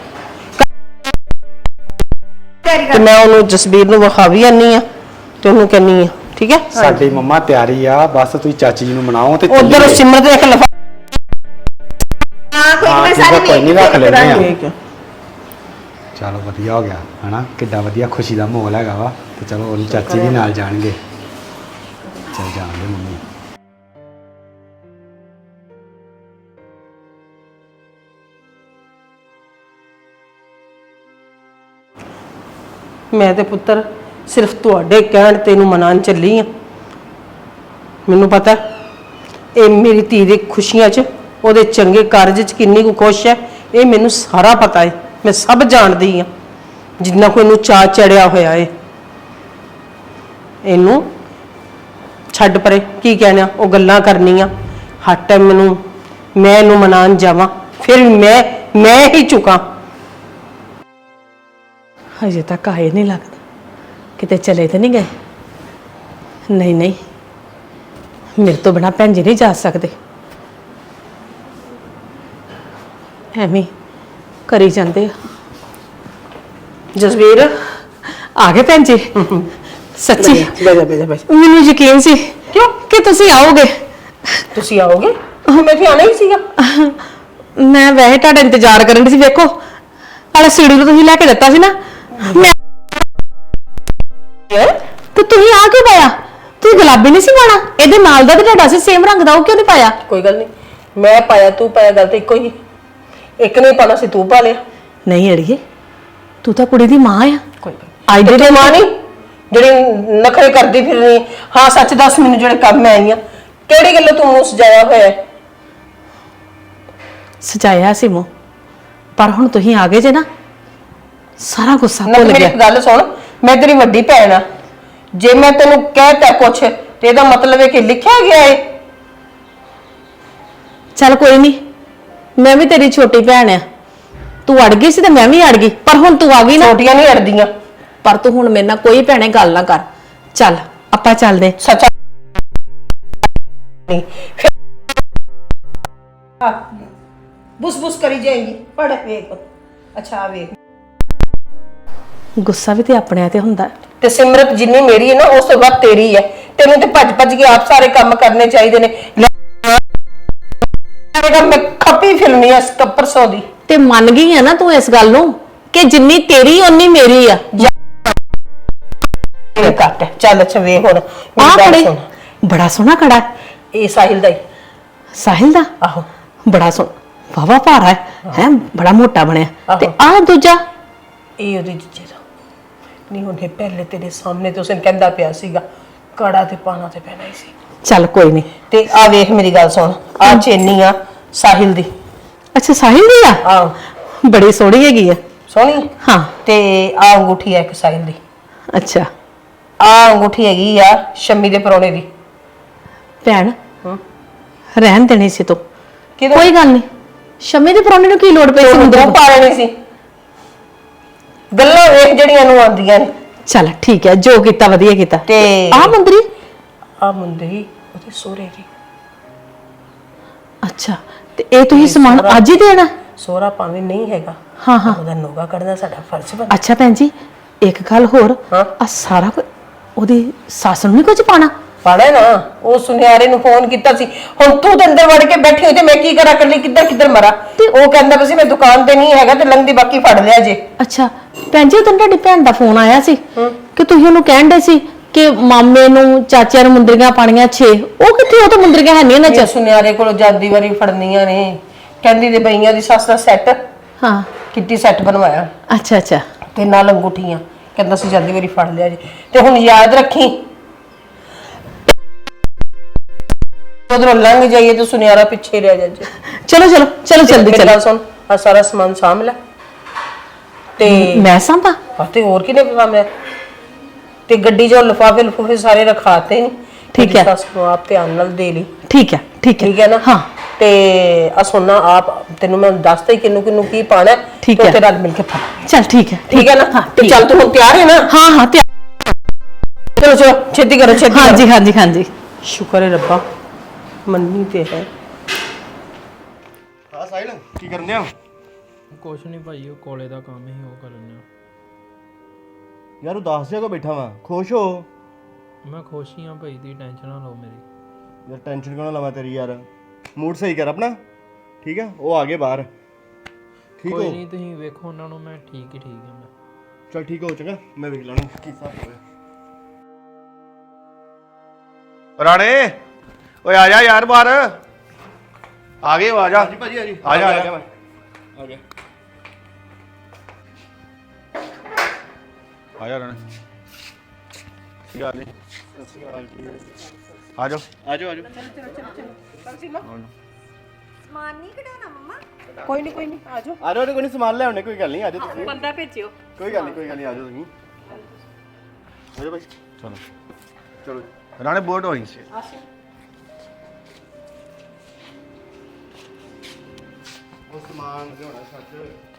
E: ਤੇ ਮੈਂ ਉਹਨੂੰ ਜਸਬੀਰ ਨੂੰ ਵਿਖਾ ਵੀ ਆਨੀ ਆ ਤੇ ਉਹਨੂੰ ਕਹਿੰਨੀ ਆ, ਠੀਕ ਹੈ?
H: ਸਾਡੀ ਮੰਮਾ ਤਿਆਰੀ ਆ, ਬਸ ਤੁਸੀਂ ਚਾਚੀ ਜੀ ਨੂੰ ਮਨਾਓ ਤੇ
E: ਉਧਰ
H: ਚੱਲੀਏ।
E: ਸਿਮਰਤ ਦੇ ਇੱਕ ਲਫਾ।
F: ਹਾਂ
H: ਹਾਂ ਠੀਕ ਹੈ, ਕੋਈ ਨਹੀਂ ਰੱਖ ਲੈਂਦੇ ਆ।
E: ਠੀਕ ਹੈ।
H: ਚਲੋ ਵਧੀਆ ਹੋ ਗਿਆ ਹਨਾ, ਕਿੱਡਾ ਵਧੀਆ ਖੁਸ਼ੀ ਦਾ ਮਾਹੌਲ ਹੈਗਾ ਵਾ। ਤੇ ਚਲੋ ਉਹਦੀ ਚਾਚੀ ਵੀ ਨਾਲ ਜਾਣਗੇ। ਚਲ ਜਾਣਗੇ ਮੰਮੀ।
E: ਮੈਂ ਤੇ ਪੁੱਤਰ ਸਿਰਫ ਤੁਹਾਡੇ ਕਹਿਣ ਤੈਨੂੰ ਮਨਾਉਣ ਚੱਲੀ ਆ। ਮੈਨੂੰ ਪਤਾ ਇਹ ਮੇਰੀ ਧੀ ਦੀ ਖੁਸ਼ੀਆਂ 'ਚ, ਉਹਦੇ ਚੰਗੇ ਕਾਰਜ 'ਚ ਕਿੰਨੀ ਕੁ ਖੁਸ਼ ਹੈ, ਇਹ ਮੈਨੂੰ ਸਾਰਾ ਪਤਾ ਹੈ। ਮੈਂ ਸਭ ਜਾਣਦੀ ਆ, ਜਿੰਨਾ ਕੋਈ ਇਹਨੂੰ ਚਾਅ ਚੜਿਆ ਹੋਇਆ ਹੈ। ਇਹਨੂੰ ਛੱਡ ਪਰੇ, ਕੀ ਕਹਿਣਾ ਉਹ ਗੱਲਾਂ ਕਰਨੀਆਂ। ਹਰ ਟਾਈਮ ਮੈਨੂੰ ਮੈਂ ਇਹਨੂੰ ਮਨਾਉਣ ਜਾਵਾਂ, ਫਿਰ ਮੈਂ ਮੈਂ ਹੀ ਚੁੱਕਾਂ। ਹਜੇ ਤੱਕ ਆਏ ਨਹੀਂ ਲੱਗਦਾ, ਕਿਤੇ ਚਲੇ ਤੇ ਨਹੀਂ ਗਏ। ਨਹੀਂ ਨਹੀਂ, ਮੇਰੇ ਤੋਂ ਬਿਨਾ ਭੈਣ ਜੀ ਨਹੀਂ ਜਾ ਸਕਦੇ। ਐਵੇਂ ਕਰੀ ਜਾਂਦੇ ਆ। ਜਸਵੀਰ ਆ ਗਏ ਭੈਣ ਜੀ? ਸੱਚੀ ਬੈਜਾ ਬੈਜਾ ਬੈਜਾ। ਮੈਨੂੰ ਯਕੀਨ ਸੀ ਕਿਉਂ ਕਿ ਤੁਸੀਂ ਆਓਗੇ। ਤੁਸੀਂ ਆਓਗੇ? ਮੈਂ ਤੇ ਆਣਾ ਹੀ ਸੀਗਾ। ਮੈਂ ਵੈਸੇ ਤੁਹਾਡਾ ਇੰਤਜ਼ਾਰ ਕਰਨ ਦੀ ਸੀ। ਵੇਖੋ ਆਲੇ ਸੀੜੀ ਨੂੰ ਤੁਸੀਂ ਲੈ ਕੇ ਦਿੱਤਾ ਸੀ ਨਾ, ਮੈਂ ਤੇ ਤੁਸੀਂ ਆ ਕਿਉਂ ਪਾਇਆ? ਤੁਸੀਂ ਗੁਲਾਬੀ ਨਹੀਂ ਸੀ ਪਾਣਾ, ਇਹਦੇ ਨਾਲ ਦਾ ਤੇ ਤੁਹਾਡਾ ਸੀ ਸੇਮ ਰੰਗ ਦਾ, ਉਹ ਕਿਉਂ ਨਹੀਂ ਪਾਇਆ? ਕੋਈ ਗੱਲ ਨਹੀਂ, ਮੈਂ ਪਾਇਆ ਤੂੰ ਪਾਇਆ, ਗੱਲ ਤਾਂ ਇੱਕੋ ਹੀ। ਇੱਕ ਨਹੀਂ ਪਾਣਾ ਸੀ, ਤੂੰ ਪਾ ਲਿਆ। ਨਹੀਂ ਅੜੀਏ, ਤੂੰ ਤਾਂ ਕੁੜੀ ਦੀ ਮਾਂ ਆ। ਕੋਈ ਅੱਜ ਦੇ ਮਾਂ ਨਹੀਂ ਜਿਹੜੀ ਨਖਰੇ ਕਰਦੀ ਫਿਰ ਰਹੀ। ਹਾਂ ਸੱਚ ਦੱਸ ਮੈਨੂੰ, ਜਿਹੜੇ ਕੰਮ ਮੈਂ ਆਈ ਆ ਕਿਹੜੀ ਗੱਲੋਂ ਤੂੰ ਮੂੰਹ ਸਜਾਇਆ ਹੋਇਆ ਹੈ? ਸਜਾਇਆ ਸੀ ਮੂੰਹ, ਪਰ ਹੁਣ ਤੁਸੀਂ ਆ ਗਏ ਜੇ ਨਾ, ਸਾਰਾ ਗੁੱਸਾ ਭੁੱਲ ਗਿਆ। ਮੇਰੀ ਗੱਲ ਸੁਣ, ਮੈਂ ਤੇਰੀ ਵੱਡੀ ਭੈਣ ਆ। ਜੇ ਮੈਂ ਤੈਨੂੰ ਕਹਿਤਾ ਕੁਛ ਤੇ ਇਹਦਾ ਮਤਲਬ ਹੈ ਕਿ ਲਿਖਿਆ ਗਿਆ ਹੈ। ਚੱਲ ਕੋਈ ਨਹੀਂ, ਮੈਂ ਵੀ ਤੇਰੀ ਛੋਟੀ ਭੈਣ ਆ, ਤੂੰ ਅੜ ਗਈ ਸੀ ਤੇ ਮੈਂ ਵੀ ਅੜ ਗਈ, ਪਰ ਹੁਣ ਤੂੰ ਆ ਗਈ ਨਾ।
I: ਛੋਟੀਆਂ ਨਹੀਂ ਅੜਦੀਆਂ।
E: ਪਰ ਤੂੰ ਹੁਣ ਮੇਰੇ ਨਾਲ ਕੋਈ ਭੈਣੇ ਗੱਲ ਨਾ ਕਰ। ਚੱਲ ਆਪਾਂ ਚੱਲਦੇ।
I: ਸੱਚਾ ਨਹੀਂ ਬੁਸ ਬੁਸ ਕਰੀ ਜਾਏਗੀ। ਪੜ ਵੇਖ। ਅੱਛਾ ਵੇਖ,
E: ਗੁੱਸਾ ਵੀ ਤੇ ਆਪਣੇ ਤੇ ਹੁੰਦਾ ਹੈ।
I: ਤੇ ਸਿਮਰਤ ਜਿੰਨੀ ਮੇਰੀ ਹੈ ਨਾ ਉਸ ਤੋਂ ਵੱਧ ਤੇਰੀ ਹੈ। ਤੈਨੂੰ ਤੇ ਭੱਜ ਭੱਜ ਕੇ ਆਪ ਸਾਰੇ ਕੰਮ ਕਰਨੇ ਚਾਹੀਦੇ ਨੇ। ਮੈਂ ਖੱਪੀ ਫਿਲਮੀ ਐ ਪਰਸੋਂ ਦੀ।
E: ਤੇ ਮੰਨ ਗਈ ਹੈ ਨਾ ਤੂੰ ਇਸ ਗੱਲ ਨੂੰ ਕਿ ਜਿੰਨੀ ਤੇਰੀ ਓਨੀ ਮੇਰੀ ਆ।
I: ਇਹ ਕੱਟ ਚੱਲ। ਅੱਛਾ ਵੇਖ ਹੁਣ
E: ਆਹ
I: ਮੇਰੀ ਗੱਲ
E: ਖੜੇ
I: ਸੁਣ।
E: ਬੜਾ ਸੋਹਣਾ ਖੜਾ ਹੈ।
I: ਇਹ ਸਾਹਿਲ ਦਾ ਹੀ।
E: ਸਾਹਿਲ ਦਾ?
I: ਆਹੋ
E: ਬੜਾ ਸੋਹਣਾ, ਵਾਵਾ ਭਾਰਾ ਹੈ ਹੈ, ਬੜਾ ਮੋਟਾ ਬਣਿਆ।
I: ਆਹੋ।
E: ਤੇ ਆਹ ਦੂਜਾ
I: ਇਹ ਉਹਦੇ ਜੀਜੇ ਦਾ ਨਹੀਂ। ਉਹਨੇ ਪਹਿਲੇ ਤੇਰੇ ਸਾਹਮਣੇ ਤੇ ਉਸਨੇ ਕਹਿੰਦਾ ਪਿਆ ਸੀਗਾ ਕੜਾ ਤੇ ਪਾਣਾ ਤੇ ਪੈਣਾ ਹੀ ਸੀ।
E: ਚੱਲ ਕੋਈ ਨਹੀਂ।
I: ਤੇ ਆ ਵੇਖ ਮੇਰੀ ਗੱਲ ਸੁਣ, ਆ ਚੇਨੀ ਆ ਸਾਹਿਲ ਦੀ।
E: ਅੱਛਾ ਸਾਹਿਲ ਦੀ ਆ?
I: ਆਹ
E: ਬੜੀ ਸੋਹਣੀ ਹੈਗੀ ਆ।
I: ਸੋਹਣੀ।
E: ਹਾਂ।
I: ਤੇ ਆ ਅੰਗੂਠੀ ਆ ਇੱਕ ਸਾਹਿਲ ਦੀ।
E: ਅੱਛਾ
I: ਆ ਅੰਗੂਠੀ ਹੈਗੀ ਆ ਸ਼ੰਮੀ ਦੇ ਪਰੋਣੇ ਦੀ।
E: ਭੈਣ
I: ਹੂੰ
E: ਰਹਿਣ ਦੇਣੀ ਸੀ ਤੂੰ।
I: ਕਿਹਦੇ?
E: ਕੋਈ ਗੱਲ ਨਹੀਂ। ਸ਼ਮੀ ਦੇ ਪਰੌਣੇ ਨੂੰ ਕੀ ਲੋੜ ਪਈ ਸੀ
I: ਤੂੰ
E: ਮੁੰਡੇ
I: ਦੋ
E: ਨੂੰ?
I: ਪਾ ਲੈਣੀ ਸੀ। ਗੱਲਾਂ ਵੇਖ ਜਿਹੜੀਆਂ ਨੂੰ ਆਉਂਦੀਆਂ ਨੇ।
E: ਚੱਲ ਠੀਕ ਹੈ, ਜੋ ਕੀਤਾ ਵਧੀਆ ਕੀਤਾ।
I: ਤੇ
E: ਆਹ ਮੁੰਦਰੀ?
I: ਆ ਮੁੰਦਰੀ ਉਹਦੇ ਸੋਹਰੇ ਦੀ।
E: ਅੱਛਾ, ਤੇ ਇਹ ਤੁਸੀਂ ਸਮਾਨ ਅੱਜ ਹੀ ਦੇਣਾ?
I: ਸੋਹਰਾ ਭਾਵੇਂ ਨਹੀਂ ਹੈਗਾ,
E: ਹਾਂ ਹਾਂ।
I: ਉਹਦਾ ਨੋਗਾ ਕੱਢਣਾ ਸਾਡਾ ਫਰਜ਼ ਬਣਦਾ।
E: ਅੱਛਾ ਭੈਣ ਜੀ, ਇੱਕ ਗੱਲ ਹੋਰ।
I: ਹਾਂ।
E: ਆ ਸਾਰਾ ਕੁਝ ਉਹਦੀ ਸੱਸ ਨੂੰ ਨਹੀਂ ਕੁਝ ਪਾਣਾ?
I: ਪਾਣਾ ਨਾ। ਉਹ ਸੁਨਿਆਰੇ ਨੂੰ ਫੋਨ ਕੀਤਾ ਸੀ। ਹੁਣ ਤੂੰ ਤੇ ਅੰਦਰ ਵੜ ਕੇ ਬੈਠੀ ਹੋਈ ਤੇ ਮੈਂ ਕੀ ਕਰਾਂ ਇਕੱਲੀ, ਕਿੱਧਰ ਕਿੱਧਰ ਮਰਾਂ? ਤੇ ਉਹ ਕਹਿੰਦਾ ਵੀ ਸੀ ਮੈਂ ਦੁਕਾਨ ਤੇ ਨਹੀਂ ਹੈਗਾ ਤੇ ਲੰਘਦੀ ਬਾਕੀ ਫੜ ਲਿਆ ਜੇ।
E: ਅੱਛਾ ਭੈਣ ਜੀ, ਉਦੋਂ ਤੁਹਾਡੀ ਭੈਣ ਦਾ ਫੋਨ ਆਇਆ ਸੀ ਕਿ ਤੁਸੀਂ ਉਹਨੂੰ ਕਹਿਣ ਦੇ ਸੀ ਕਿ ਮਾਮੇ ਨੂੰ ਚਾਚਿਆਂ ਨੂੰ ਮੁੰਦਰੀਆਂ ਪਾਣੀਆਂ ਛੇ। ਉਹ ਕਿੱਥੇ? ਉਹ ਤਾਂ ਮੁੰਦਰੀਆਂ ਹੈ ਨਹੀਂ ਇਹਨਾਂ
I: ਇਹ
E: ਚ।
I: ਸੁਨਿਆਰੇ ਕੋਲੋਂ ਜਾਂਦੀ ਵਾਰੀ ਫੜਨੀਆਂ ਨੇ। ਕਹਿੰਦੀ ਤੇ ਬਈਆਂ ਦੀ ਸੱਸ ਦਾ ਸੈੱਟ
E: ਹਾਂ।
I: ਕਿੱਟੀ ਸੈੱਟ ਬਣਵਾਇਆ
E: ਅੱਛਾ ਅੱਛਾ।
I: ਤੇ ਨਾਲ ਅੰਗੂਠੀਆਂ। ਕਹਿੰਦਾ ਸੀ ਜਾਂਦੀ ਵਾਰੀ ਫੜ ਲਿਆ ਜੇ। ਤੇ ਹੁਣ ਯਾਦ ਰੱਖੀ ਉਧਰੋਂ ਲੰਘ ਜਾਈਏ ਤੇ ਸੁਨਿਆਰਾ ਪਿੱਛੇ ਰਹਿ ਜਾਏ।
E: ਚਲੋ ਚਲੋ ਚਲੋ ਜਲਦੀ
I: ਮੇਰੀ
E: ਚਲੋ।
I: ਗੱਲ ਸੁਣ, ਆ ਸਾਰਾ ਸਮਾਨ ਸਾਂਭ ਲੈ। ਤੇ
E: ਮੈਂ ਸਾਂਭਾ?
I: ਆ ਤੇ ਹੋਰ ਕਿਨੇ ਸਾਂਭਿਆ? ਤੇ ਗੱਡੀ 'ਚ ਲਿਫਾਫੇ ਲਿਫੂਫੇ ਸਾਰੇ ਰਖਾਤੇ ਨੇ।
E: ਠੀਕ ਹੈ।
I: ਸੱਸ ਨੂੰ ਆਪ ਧਿਆਨ ਨਾਲ ਦੇ ਲਈ।
E: ਠੀਕ ਹੈ ਠੀਕ ਹੈ।
I: ਠੀਕ ਹੈ ਨਾ?
E: ਹਾਂ।
I: ਤੇ ਆ ਸੋਨਾ ਆਪ ਤੈਨੂੰ ਮੈਂ ਦੱਸਦਾ ਹੀ ਕਿੰਨੂੰ ਕਿੰਨੂੰ ਕੀ ਪਾਣਾ।
E: ਠੀਕ ਹੈ।
I: ਤੇ ਨਾਲ ਮਿਲ ਕੇ ਪਾ।
E: ਚੱਲ ਠੀਕ ਹੈ।
I: ਠੀਕ ਹੈ ਨਾ?
E: ਹਾਂ
I: ਤੇ ਚੱਲ ਤੂੰ ਹੁਣ ਤਿਆਰ ਹੈ ਨਾ?
E: ਹਾਂ ਹਾਂ ਤਿਆਰ।
I: ਚਲੋ ਚਲੋ ਛੇਤੀ ਕਰੋ ਛੇਤੀ ਕਰੋ।
E: ਹਾਂਜੀ ਹਾਂਜੀ ਹਾਂਜੀ।
I: ਸ਼ੁਕਰ ਹੈ ਰੱਬਾ ਮੰਨੀ ਤੇ ਹੈ।
H: ਹਾਂ ਸਾਹਿਲ, ਕੀ ਕਰਨ ਡਿਆ?
J: ਕੁਛ ਨਹੀਂ ਭਾਈ, ਉਹ ਕੋਲੇ ਦਾ ਕੰਮ ਹੀ ਉਹ ਕਰਨ ਆ।
H: ਯਾਰ ਉਹ ਦੱਸ ਜਿਹਾ ਕੋ ਬੈਠਾ ਵਾ, ਖੁਸ਼ ਹੋ।
J: ਮੈਂ ਖੁਸ਼ ਹੀ ਆ ਭਾਈ, ਦੀ ਟੈਨਸ਼ਨ ਨਾ ਲਓ ਮੇਰੀ।
H: ਯਾਰ ਟੈਨਸ਼ਨ ਕਿਉਂ ਨਾ ਲਵਾਂ ਤੇਰੀ ਯਾਰ। ਮੂਡ ਸਹੀ ਕਰ ਆਪਣਾ। ਠੀਕ ਹੈ, ਉਹ ਆ ਗਏ ਬਾਹਰ। ਠੀਕ
J: ਕੋਈ
H: ਹੋ?
J: ਨਹੀਂ, ਤੁਸੀਂ ਵੇਖੋ ਉਹਨਾਂ ਨੂੰ, ਮੈਂ ਠੀਕ ਹੀ ਠੀਕ ਹਾਂ। ਮੈਂ
H: ਚਲ ਠੀਕ ਹੋ, ਚੰਗਾ ਮੈਂ ਵੇਖ ਲੈਣਾ ਕੀ ਹਿਸਾਬ ਹੋਇਆ। ਰਾਣੇ ਓਏ ਆ ਜਾ ਯਾਰ ਬਾਹਰ। ਆ ਗਏ ਹੋ, ਆ ਜਾ। ਹਾਂਜੀ ਭਾਜੀ ਆ ਜੀ। ਆ ਜਾ ਆ ਜਾ ਆ ਗਿਆ। ਆ ਜਾ ਰਾਣੇ। ਕੀ ਹਾਲ ਹੈ? ਆ ਜਾਓ ਆ ਜਾਓ ਆ ਜਾਓ।
F: ਸਮਾਨ ਨਹੀਂ ਕਢਾਉਣਾ ਮੰਮਾ?
I: ਕੋਈ ਨਹੀਂ ਕੋਈ ਨਹੀਂ ਆ ਜਾਓ।
H: ਆ ਜਾਓ ਕੋਈ ਨਹੀਂ, ਸਮਾਨ ਲੈ ਆਉਣੇ, ਕੋਈ ਗੱਲ ਨਹੀਂ। ਆ ਜਾਓ ਤੁਸੀਂ।
I: ਬੰਦਾ ਭੇਜਿਓ।
H: ਕੋਈ ਗੱਲ ਨਹੀਂ ਕੋਈ ਗੱਲ ਨਹੀਂ, ਆ ਜਾਓ ਤੁਸੀਂ। ਆ ਜਾਓ ਭਾਈ। ਚਲੋ ਚਲੋ ਰਾਣੇ बोर्ड वहीं से। वो सामान जो होना सच